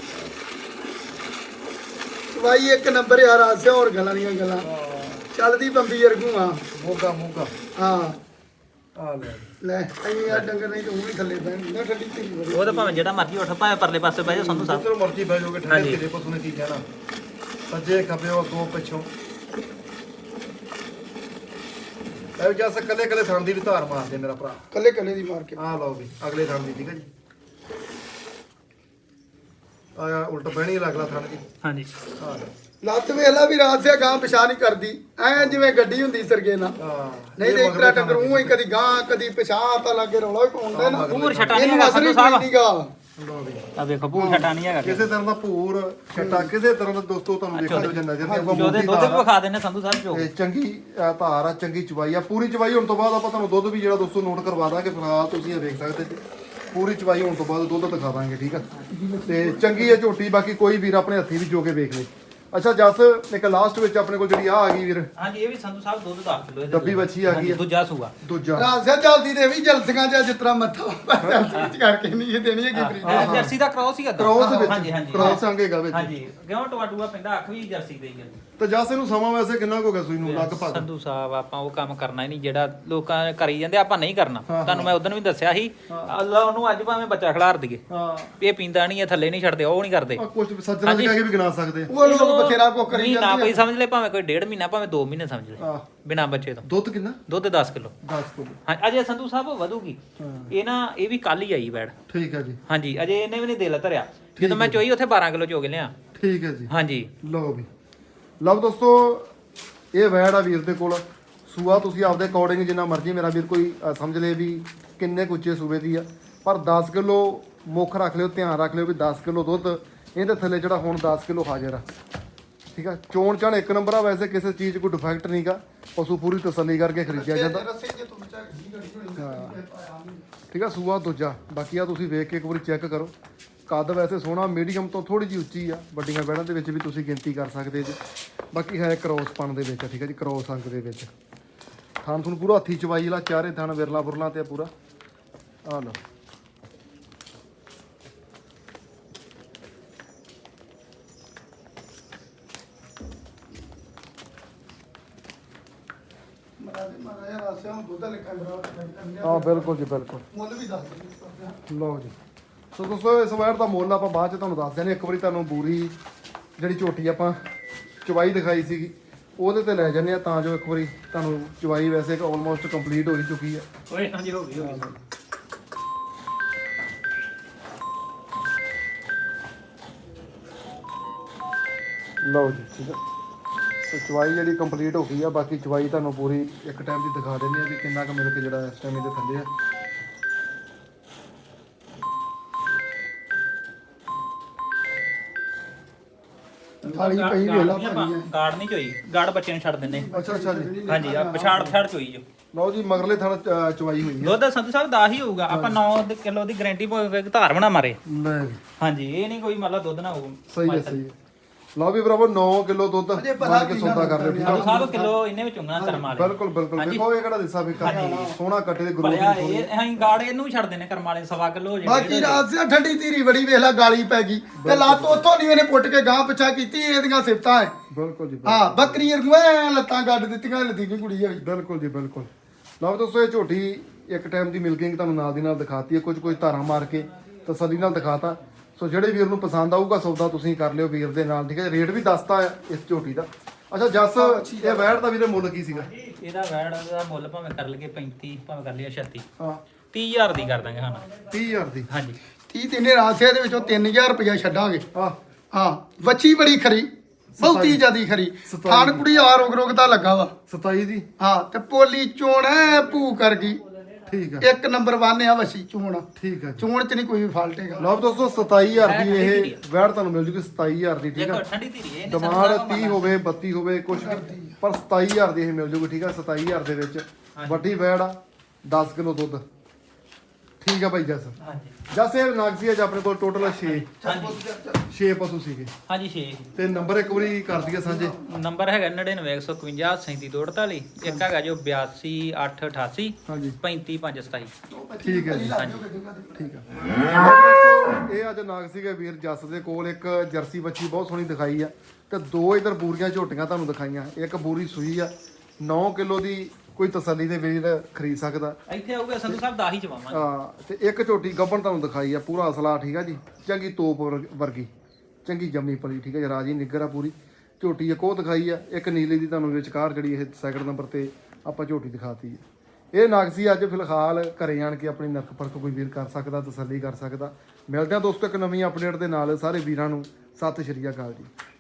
[SPEAKER 3] ਭਾਈ ਇੱਕ ਨੰਬਰ ਯਾਰ ਆਸਿਆ ਹੋਰ ਗੱਲਾਂ ਦੀਆਂ ਗੱਲਾਂ ਚੱਲਦੀ ਬੰਬੀ ਵਰਗੂ ਆ
[SPEAKER 1] ਮੋਗਾ
[SPEAKER 3] ਹਾਂ
[SPEAKER 1] ਆ
[SPEAKER 3] ਲੈ ਅਸੀਂ ਆ ਡੰਗਰ ਨਹੀਂ ਤਾਂ ਉਹ ਵੀ ਥੱਲੇ ਬਹਿਣ ਨਾ ਠੰਡੀ ਧੀਰੀ ਬੜੀ
[SPEAKER 2] ਉਹ ਤਾਂ ਭਾਵੇਂ ਜਿਹੜਾ ਮਰਜ਼ੀ ਉੱਠ ਭਾਵੇਂ ਪਰਲੇ ਪਾਸੇ ਬਹਿ ਜਾ ਸੰਧੂ ਸਾਹਿਬ
[SPEAKER 1] ਜਿੱਧਰ ਮਰਜ਼ੀ ਬਹਿ ਜਾਓਗੇ ਠੰਡੇ
[SPEAKER 2] ਹਾਂਜੀ।
[SPEAKER 1] ਤੇਰੇ ਪਸ਼ੂ ਨੇ ਕੀ ਕਹਿਣਾ ਸੱਜੇ ਖੱਬੇ ਅੱਗੋਂ ਪਿੱਛੋਂ ਇਹ ਜਸ ਕੱਲੇ ਕੱਲੇ ਥਣ ਦੀ ਵੀ ਧਾਰ ਮਾਰਦੇ ਮੇਰਾ ਭਰਾ।
[SPEAKER 3] ਕੱਲੇ ਕੱਲੇ ਦੀ ਮਾਰ ਕੇ
[SPEAKER 1] ਆ ਲਓ ਵੀ ਅਗਲੇ ਥਣ ਦੀ ਠੀਕ ਹੈ ਜੀ। ਆ ਉਲਟ ਬਹਿਣੀ ਅਗਲਾ ਥਣ ਜੀ
[SPEAKER 2] ਹਾਂਜੀ
[SPEAKER 1] ਆ ਲਓ
[SPEAKER 3] ਲੱਤ ਵੇਲਾ ਵੀ ਰਾਤ ਸੇ ਗਾਂ ਪਿਛਾ ਨਹੀਂ ਕਰਦੀ ਐ ਜਿਵੇਂ ਗੱਡੀ ਹੁੰਦੀ ਸਰਗੇ ਨਾਲ
[SPEAKER 1] ਹਾਂ
[SPEAKER 3] ਨਹੀਂ ਤੇ ਇੱਕ ਤਰ੍ਹਾਂ ਡੰਗਰ ਉਹ ਹੀ ਕਦੀ ਗਾਂ ਕਦੀ ਪਿਛਾ ਤਾਂ ਲੱਗੇ ਰੌਲਾ ਹੀ ਪਾਉਂਦੇ ਨਾ
[SPEAKER 2] ਪੂਰ ਛਟਾ ਨਹੀਂ
[SPEAKER 3] ਇਹਨੂੰ
[SPEAKER 2] ਹੈਗਾ
[SPEAKER 3] ਅਸਰ
[SPEAKER 2] ਸੰਧੂ
[SPEAKER 3] ਹੀ
[SPEAKER 2] ਸਾਹਿਬ
[SPEAKER 3] ਕੋਈ ਨਹੀਂਗਾ
[SPEAKER 1] ਲਓ ਵੀ
[SPEAKER 2] ਆ ਵੇਖੋ ਪੂਰ ਛਟਾ ਨਹੀਂ ਹੈਗਾ
[SPEAKER 1] ਕਿਸੇ ਤਰ੍ਹਾਂ ਦਾ ਭੂਰ ਛੱਟਾ ਕਿਸੇ ਤਰ੍ਹਾਂ ਦਾ ਦੋਸਤੋ ਤੁਹਾਨੂੰ ਦੇਖਣ ਨੂੰ ਨਜ਼ਰ ਨਹੀਂ ਆਊਗਾ।
[SPEAKER 2] ਉਹਦੇ
[SPEAKER 1] ਮੋਟੀ
[SPEAKER 2] ਦੁੱਧ
[SPEAKER 1] ਧਾਰ
[SPEAKER 2] ਵੀ
[SPEAKER 1] ਆ।
[SPEAKER 2] ਵਿਖਾ ਦਿੰਨੇ ਸੰਧੂ ਸਾਹਿਬ ਚੋ
[SPEAKER 1] ਤੇ ਚੰਗੀ ਧਾਰ ਆ, ਚੰਗੀ ਚਵਾਈ ਆ, ਪੂਰੀ ਚਵਾਈ ਹੋਣ ਤੋਂ ਬਾਅਦ ਆਪਾਂ ਤੁਹਾਨੂੰ ਦੁੱਧ ਵੀ ਜਿਹੜਾ ਦੋਸਤੋ ਨੋਟ ਕਰਵਾ ਦਾਂਗੇ। ਫਿਲਹਾਲ ਤੁਸੀਂ ਇਹ ਵੇਖ ਸਕਦੇ ਜੀ ਪੂਰੀ ਚਵਾਈ ਹੋਣ ਤੋਂ ਬਾਅਦ ਦੁੱਧ ਦਿਖਾ ਦਾਂਗੇ ਠੀਕ ਆ। ਤੇ ਚੰਗੀ ਹੈ ਝੋਟੀ, ਬਾਕੀ ਕੋਈ ਵੀਰ ਆਪਣੇ ਹੱਥੀਂ ਵੀ ਜੋ ਕੇ ਵੇਖ ਲੇ। ਅੱਛਾ ਜਸ ਇੱਕ ਲਾਸਟ ਵਿੱਚ ਆਪਣੇ ਕੋਲ ਜਿਹੜੀ ਆ ਗਈ ਵੀਰ
[SPEAKER 2] ਹਾਂਜੀ ਇਹ ਵੀ ਸੰਧੂ ਸਾਹਿਬ ਦੁੱਧ 10 ਕਿਲੋ
[SPEAKER 1] ਡੱਬੀ ਵੱਛੀ ਆ ਗਈ ਆ।
[SPEAKER 2] ਦੂਜਾ ਸੂਆ
[SPEAKER 1] ਦੂਜਾ
[SPEAKER 3] ਰਾਤ ਸੇ ਚੱਲਦੀ ਤੇ ਵੀ ਜਲਸੀਆਂ ਜਿਸ ਤਰ੍ਹਾਂ ਮੱਥਾ ਜਲਸੀ ਕਰਕੇ ਨਹੀਂ ਇਹ ਦੇਣੀ ਹੈਗੀ ਫਰੀ
[SPEAKER 2] ਇਹ ਜਰਸੀ ਦਾ ਕ੍ਰੋਸ ਹੀ ਹੈਗਾ
[SPEAKER 1] ਕ੍ਰੋਸ
[SPEAKER 2] ਹਾਂਜੀ
[SPEAKER 1] ਵਿੱਚ
[SPEAKER 2] ਹਾਂਜੀ
[SPEAKER 1] ਕ੍ਰੋਸ ਆਂਗੇਗਾ ਵਿੱਚ
[SPEAKER 2] ਹਾਂਜੀ ਕਿਉਂ ਟਵਾਟੂਆ ਪੈਂਦਾ ਅੱਖ ਵੀ ਜਰਸੀ ਦੇ ਹੀ ਹੈ
[SPEAKER 1] ਤੇ ਜਸ ਇਹਨੂੰ ਸਮਾਂ ਵੈਸੇ ਕਿੰਨਾ ਕੁ ਹੋ ਗਿਆ ਸੂਈ ਨੂੰ ਲਗਭਗ?
[SPEAKER 2] ਸੰਧੂ ਸਾਹਿਬ ਆਪਾਂ ਉਹ ਕੰਮ ਕਰਨਾ ਹੀ ਨਹੀਂ ਜਿਹੜਾ ਲੋਕਾਂ ਕਰੀ ਜਾਂਦੇ ਆਪਾਂ ਨਹੀਂ ਕਰਨਾ ਤੁਹਾਨੂੰ ਮੈਂ ਉਦੋਂ ਵੀ ਦੱਸਿਆ ਸੀ ਅੱਲਾ ਉਹਨੂੰ ਅੱਜ ਭਾਵੇਂ ਬੱਚਾ ਖਿਲਾਰ ਦਈਏ
[SPEAKER 1] ਹਾਂ
[SPEAKER 2] ਇਹ ਪੀਂਦਾ ਨਹੀਂ ਇਹ ਥੱਲੇ ਨਹੀਂ ਛੱਡਦੇ ਉਹ ਨਹੀਂ ਕਰਦੇ
[SPEAKER 1] ਕੁਝ ਸੱਜਣਾ ਦੇ ਕਹਿ ਕੇ ਵੀ ਗਿਣਾ ਸਕਦੇ
[SPEAKER 3] ਉਹ ਲੋਕ ਬਥੇਰਾ ਕੋ ਕਰੀ
[SPEAKER 2] ਮਹੀਨਾ
[SPEAKER 3] ਜਾਂਦੇ
[SPEAKER 2] ਕੋਈ ਸਮਝ ਲੈ ਭਾਵੇਂ ਕੋਈ 1.5 ਮਹੀਨਾ ਭਾਵੇਂ 2 ਮਹੀਨੇ ਸਮਝ ਲੈ
[SPEAKER 1] ਆ
[SPEAKER 2] ਬਿਨਾ ਬੱਚੇ ਤੋਂ
[SPEAKER 1] ਦੁੱਧ ਕਿੰਨਾ?
[SPEAKER 2] ਦੁੱਧ 10 ਕਿਲੋ
[SPEAKER 1] 10 ਕਿਲੋ
[SPEAKER 2] ਹਾਂ ਅਜੇ ਸੰਧੂ ਸਾਹਿਬ ਵਧੂਗੀ ਇਹ ਨਾ ਇਹ ਵੀ ਕੱਲ ਹੀ ਆਈ ਬੈੜ
[SPEAKER 1] ਠੀਕ ਹੈ ਜੀ
[SPEAKER 2] ਹਾਂਜੀ ਅਜੇ ਇਹਨੇ ਵੀ ਨਹੀਂ ਦਿਲ ਧਰਿਆ ਜਦੋਂ ਮੈਂ ਚੋਈ ਉੱਥੇ 12 ਕਿਲੋ ਚੋ ਕੇ ਲਿਆ
[SPEAKER 1] ਠੀਕ ਹੈ ਜੀ
[SPEAKER 2] ਹਾਂਜੀ
[SPEAKER 1] ਲਓ ਵੀ ਲਓ ਦੋਸਤੋ ਇਹ ਵੈੜ ਆ ਵੀਰ ਦੇ ਕੋਲ ਸੂਆ ਤੁਸੀਂ ਆਪਦੇ ਅਕੋਰਡਿੰਗ ਜਿੰਨਾ ਮਰਜ਼ੀ ਮੇਰਾ ਵੀਰ ਕੋਈ ਸਮਝ ਲੇ ਵੀ ਕਿੰਨੇ ਕੁ ਉੱਚੇ ਸੂਬੇ ਦੀ ਆ, ਪਰ 10 ਕਿਲੋ ਮੁੱਖ ਰੱਖ ਲਿਓ, ਧਿਆਨ ਰੱਖ ਲਿਓ ਵੀ 10 ਕਿਲੋ ਦੁੱਧ ਇਹਦੇ ਥੱਲੇ ਜਿਹੜਾ ਹੁਣ 10 ਕਿਲੋ ਹਾਜ਼ਰ ਆ ਠੀਕ ਆ। ਚੋਣ ਚਾਣ ਇੱਕ ਨੰਬਰ ਆ, ਵੈਸੇ ਕਿਸੇ ਚੀਜ਼ 'ਚ ਕੋਈ ਡਿਫੈਕਟ ਨਹੀਂਗਾ, ਪਸ਼ੂ ਪੂਰੀ ਤਸੱਲੀ ਕਰਕੇ ਖਰੀਦਿਆ ਜਾਂਦਾ ਠੀਕ ਆ। ਸੂਆ ਦੂਜਾ ਬਾਕੀ ਆ ਤੁਸੀਂ ਵੇਖ ਕੇ ਇੱਕ ਵਾਰੀ ਚੈੱਕ ਕਰੋ। ਕੱਦ ਵੈਸੇ ਸੋਹਣਾ ਮੀਡੀਅਮ ਤੋਂ ਥੋੜੀ ਜਿਹੀ ਉੱਚੀ ਆ, ਵੱਡੀਆਂ ਬੈੜਾਂ ਦੇ ਵਿੱਚ ਵੀ ਤੁਸੀਂ ਗਿਣਤੀ ਕਰ ਸਕਦੇ ਜੀ। ਬਾਕੀ ਹੈ ਕ੍ਰੋਸ ਪਣ ਦੇ ਵਿੱਚ ਠੀਕ ਹੈ ਜੀ, ਕ੍ਰੋਸ ਅੰਕ ਦੇ ਵਿੱਚ ਥਾਨ ਤੁਹਾਨੂੰ ਪੂਰਾ ਹੱਥੀ ਚਵਾਈ ਵਾਲਾ ਚਾਰੇ ਥਾਨ ਵਿਰਲਾ ਬੁਰਲਾ ਤੇ ਪੂਰਾ ਆ ਲਓ।
[SPEAKER 3] ਦੇ ਮਾਰਾ ਯਾਰ ਆਸਿਆ ਹੁਣ ਦੁੱਧ ਲਿਖਣ ਦਾ
[SPEAKER 1] ਹਾਂ ਬਿਲਕੁਲ ਜੀ ਬਿਲਕੁਲ।
[SPEAKER 3] ਮੁੱਲ ਵੀ ਦੱਸ ਦਿੰਦੇ
[SPEAKER 1] ਲਓ ਜੀ ਸੋ ਦੋਸਤੋ ਇਸ ਵੈੜ ਦਾ ਮੁੱਲ ਆਪਾਂ ਬਾਅਦ ਚ ਤੁਹਾਨੂੰ ਦੱਸ ਦਿੰਦੇ। ਇੱਕ ਵਾਰੀ ਤੁਹਾਨੂੰ ਬੂਰੀ ਜਿਹੜੀ ਝੋਟੀ ਆਪਾਂ ਚਵਾਈ ਦਿਖਾਈ ਸੀਗੀ ਉਹਦੇ ਤੇ ਲੈ ਜਾਂਦੇ ਆ ਤਾਂ ਜੋ ਇੱਕ ਵਾਰੀ ਤੁਹਾਨੂੰ ਚਵਾਈ ਵੈਸੇ ਆਲਮੋਸਟ ਕੰਪਲੀਟ ਹੋ ਹੀ ਚੁੱਕੀ ਹੈ।
[SPEAKER 2] ਓਏ ਹਾਂਜੀ ਹੋ ਗਈ
[SPEAKER 1] ਲਓ ਜੀ ਠੀਕ ਹੈ। ਸੋ ਚਵਾਈ ਜਿਹੜੀ ਕੰਪਲੀਟ ਹੋ ਗਈ ਆ। ਬਾਕੀ ਚਵਾਈ ਤੁਹਾਨੂੰ ਪੂਰੀ ਇੱਕ ਟਾਈਮ ਦੀ ਦਿਖਾ ਦਿੰਦੇ ਆ ਵੀ ਕਿੰਨਾ ਕੁ ਮਿਲ ਕੇ ਜਿਹੜਾ ਇਸ ਟਾਈਮ ਇਹਦੇ ਥੱਲੇ ਆ।
[SPEAKER 3] ਥਾਲੀ ਪਈ ਵੇਖ ਲਾ ਭਾਰੀ ਹੈ।
[SPEAKER 2] ਗਾੜ ਨਹੀਂ ਚੋਈ, ਗਾੜ ਬੱਚੇ ਨੂੰ ਛੱਡ ਦਿੰਦੇ
[SPEAKER 1] ਅੱਛਾ ਅੱਛਾ ਜੀ।
[SPEAKER 2] ਹਾਂਜੀ ਆ ਪਛਾੜ ਛੜ ਚੋਈ ਜੋ
[SPEAKER 1] ਲਓ ਜੀ ਮਗਰਲੇ ਥਣ ਚਵਾਈ ਹੋਈ ਹੈ।
[SPEAKER 2] ਦੁੱਧ ਸੰਧੂ ਸਾਹਿਬ 10 ਹੀ ਹੋਊਗਾ। ਆਪਾਂ 9 ਕਿਲੋ ਦੀ ਗਾਰੰਟੀ ਪੋਵੇ ਧਾਰ ਬਣਾ ਮਾਰੇ।
[SPEAKER 1] ਲੈ ਵੀ,
[SPEAKER 2] ਹਾਂਜੀ ਇਹ ਨਹੀਂ ਕੋਈ ਮਤਲਬ ਦੁੱਧ ਨਾ ਹੋਊ।
[SPEAKER 1] ਸਹੀ ਹੈ ਸਹੀ ਹੈ। ਲਓ ਵੀ ਬਰਾਬਰ 9 ਕਿਲੋ ਦੁੱਧ ਮੰਨ ਕੇ ਸੌਦਾ ਕਰ ਲਿਓ ਠੀਕ
[SPEAKER 2] ਸੰਧੂ
[SPEAKER 1] ਆ।
[SPEAKER 2] ਸਾਹਿਬ ਕਿਲੋ ਇਹਨੇ ਵਿੱਚ ਉਂਗਣਾ ਕਰਮ ਵਾਲੇ
[SPEAKER 1] ਬਿਲਕੁਲ ਬਿਲਕੁਲ ਦੇਖੋ ਇਹ ਕਿਹੜਾ ਦਿਸਾ ਵੀ ਸੋਹਣਾ ਕੱਟੇ ਦੇ ਗਰੋਥ
[SPEAKER 2] ਭਲਿਆ ਇਹ ਅਸੀਂ ਗਾੜ ਇਹਨੂੰ ਵੀ ਛੱਡ ਦਿੰਦੇ ਕਰਮ ਵਾਲੇ 1.25 ਕਿਲੋ ਹੋ
[SPEAKER 3] ਬਾਕੀ ਰਾਤ ਸੇ ਠੰਡੀ ਧੀਰੀ ਬੜੀ ਵੇਖ ਲਾ ਗਾਲੀ ਪੈ ਗਈ ਤੇ ਲੱਤ ਉੱਥੋਂ ਨਹੀਂ ਇਹਨੇ ਪੁੱਟ ਕੇ ਗਾਂ ਪਿਛਾ ਕੀਤੀ ਇਹਦੀਆਂ ਸਿਫਤਾਂ ਹੈ।
[SPEAKER 1] ਬਿਲਕੁਲ ਜੀ
[SPEAKER 3] ਹਾਂ ਬੱਕਰੀ ਰਗੂਏ ਲੱਤਾਂ ਗੱਡ ਦਿੱਤੀਆਂ ਲੱਦੀ ਨਹੀਂ ਕੁੜੀ ਹੋਈ।
[SPEAKER 1] ਬਿਲਕੁਲ ਜੀ ਬਿਲਕੁਲ। ਲਓ ਦੋਸਤੋ ਇਹ ਝੋਟੀ ਇੱਕ ਟਾਈਮ ਦੀ ਮਿਲਕਿੰਗ ਤੁਹਾਨੂੰ ਨਾਲ ਦੀ ਨਾਲ ਦਿਖਾਤੀ ਹੈ। ਕੁਝ ਧਾਰਾਂ ਮਾਰ ਕੇ ਤਸੱਲੀ ਨਾਲ ਦਿਖਾਤਾ। ਸੋ ਜਿਹੜੇ ਵੀਰ ਨੂੰ ਪਸੰਦ ਆਊਗਾ ਸੌਦਾ ਤੁਸੀਂ ਕਰ ਲਿਓ ਵੀਰ ਦੇ ਨਾਲ ਠੀਕ ਹੈ। ਰੇਟ ਵੀ ਦੱਸਤਾ ਹੈ ਇਸ ਝੋਟੀ ਦਾ। ਅੱਛਾ ਜੱਸ ਇਹ ਵੈੜ ਦਾ ਵੀਰੇ ਮੁੱਲ ਕੀ ਸੀਗਾ?
[SPEAKER 2] ਇਹਦਾ ਵੈੜ ਦਾ ਮੁੱਲ ਭਾਵੇਂ ਕਰ ਲਈਏ 35 ਭਾਵੇਂ ਕਰ ਲਈਏ 36
[SPEAKER 1] ਹਾਂ
[SPEAKER 2] 30000 ਦੀ ਕਰ ਦਾਂਗੇ ਹਾਂ
[SPEAKER 1] 30000 ਦੀ।
[SPEAKER 2] ਹਾਂਜੀ
[SPEAKER 3] 30 ਤਿੰਨੇ ਰਾਸੇ ਦੇ ਵਿੱਚੋਂ 3000 ਰੁਪਇਆ ਛੱਡਾਂਗੇ।
[SPEAKER 1] ਹਾਂ
[SPEAKER 3] ਹਾਂ ਵੱਛੀ ਬੜੀ ਖਰੀ ਬਹੁਤੀ ਜਿਆਦੀ ਖਰੀ ਥਾਣ ਕੁੜੀ ਆ ਰੋਗ ਰੋਗ ਦਾ ਲੱਗਾ ਵਾ
[SPEAKER 1] 27 ਦੀ।
[SPEAKER 3] ਹਾਂ ਤੇ ਪੋਲੀ ਚੋਣ ਐ ਭੂ ਕਰ ਗਈ
[SPEAKER 1] ਠੀਕ ਹੈ
[SPEAKER 3] ਇੱਕ ਨੰਬਰ 1 ਆ ਵੱਛੀ ਚੋਣ
[SPEAKER 1] ਠੀਕ ਹੈ ਜੀ।
[SPEAKER 3] ਚੋਣ ਚ ਨਹੀਂ ਕੋਈ ਵੀ ਫਾਲਟ ਹੈਗਾ।
[SPEAKER 1] ਲਓ ਦੋਸਤੋ 27000 ਦੀ ਇਹ ਵੈੜ ਤੁਹਾਨੂੰ ਮਿਲ ਜੂਗੀ 27000 ਦੀ ਠੀਕ
[SPEAKER 2] ਦੇਖੋ
[SPEAKER 1] ਹੈ।
[SPEAKER 2] ਠੰਡੀ ਧੀਰੀ ਇਹ
[SPEAKER 1] ਡਿਮਾਂਡ 30 ਹੋਵੇ 32 ਹੋਵੇ ਕੁਝ ਵੀ ਪਰ 27000 ਦੀ ਇਹ ਮਿਲ ਜੂਗੀ ਠੀਕ ਹੈ। 27000 ਦੇ ਵਿੱਚ ਵੱਡੀ ਵੈੜ ਆ 10 ਕਿਲੋ ਦੁੱਧ ਠੀਕ ਹੈ ਭਾਈ ਜੱਸ।
[SPEAKER 2] ਹਾਂਜੀ
[SPEAKER 1] ਜੱਸ ਇਹ ਨਾਗਸੀ ਅੱਜ ਆਪਣੇ ਕੋਲ ਟੋਟਲ 6
[SPEAKER 2] ਹਾਂਜੀ
[SPEAKER 1] ਪਸ਼ੂ ਸੀਗੇ
[SPEAKER 2] ਹਾਂਜੀ 6
[SPEAKER 1] ਤੇ ਨੰਬਰ ਇੱਕ ਵਾਰੀ ਕਰ ਦਈਏ ਸਾਂਝੇ।
[SPEAKER 2] ਨੰਬਰ ਹੈਗਾ 99 151 ਇੱਕ ਹੈਗਾ ਜੋ 82 888
[SPEAKER 1] ਹਾਂਜੀ
[SPEAKER 2] 35
[SPEAKER 1] ਠੀਕ ਹੈ ਜੀ ਠੀਕ ਹੈ। ਇਹ ਅੱਜ ਨਾਗਸੀ ਦੇ ਵੀਰ ਜੱਸ ਦੇ ਕੋਲ ਇੱਕ ਜਰਸੀ ਬੱਚੀ ਬਹੁਤ ਸੋਹਣੀ ਦਿਖਾਈ ਆ ਤੇ ਦੋ ਇਧਰ ਬੂਰੀਆਂ ਝੋਟੀਆਂ ਤੁਹਾਨੂੰ ਦਿਖਾਈਆਂ। ਇੱਕ ਬੂਰੀ ਸੂਈ ਆ 9 ਕਿਲੋ ਦੀ ਕੋਈ ਤਸੱਲੀ ਦੇ ਵੀਰ ਖਰੀਦ ਸਕਦਾ।
[SPEAKER 2] ਇੱਥੇ ਆਊਗਾ ਸੰਧੂ ਸਾਹਿਬ 10 ਹੀ ਚਵਾਵਾਂਗੇ।
[SPEAKER 1] ਹਾਂ ਤੇ ਇੱਕ ਝੋਟੀ ਗੱਬਣ ਤੁਹਾਨੂੰ ਦਿਖਾਈ ਆ ਪੂਰਾ ਅਸਲਾ ਠੀਕ ਆ ਜੀ। ਚੰਗੀ ਤੋਪ ਵਰਗੀ ਚੰਗੀ ਜੰਮੀ ਪਲੀ ਠੀਕ ਆ ਜੀ। ਰਾਜੀ ਨਿੱਗਰ ਆ ਪੂਰੀ ਝੋਟੀ ਇੱਕ ਉਹ ਦਿਖਾਈ ਆ। ਇੱਕ ਨੀਲੀ ਦੀ ਤੁਹਾਨੂੰ ਵਿਚਕਾਰ ਜਿਹੜੀ ਇਹ ਸੈਕਿੰਡ ਨੰਬਰ ਤੇ ਆਪਾਂ ਝੋਟੀ ਦਿਖਾਤੀ ਹੈ। ਇਹ ਨਾਗਸੀ ਅੱਜ ਫਿਲਹਾਲ ਘਰੇ ਆਣ ਕੇ ਆਪਣੀ ਨਰਕ ਪਰਖ ਕੋਈ ਵੀਰ ਕਰ ਸਕਦਾ ਤਸੱਲੀ ਕਰ ਸਕਦਾ। ਮਿਲਦੇ ਆ ਦੋਸਤੋ ਇੱਕ ਨਵੀਂ ਅਪਡੇਟ ਦੇ ਨਾਲ। ਸਾਰੇ ਵੀਰਾਂ ਨੂੰ ਸਤਿ ਸ਼੍ਰੀ ਅਕਾਲ ਜੀ।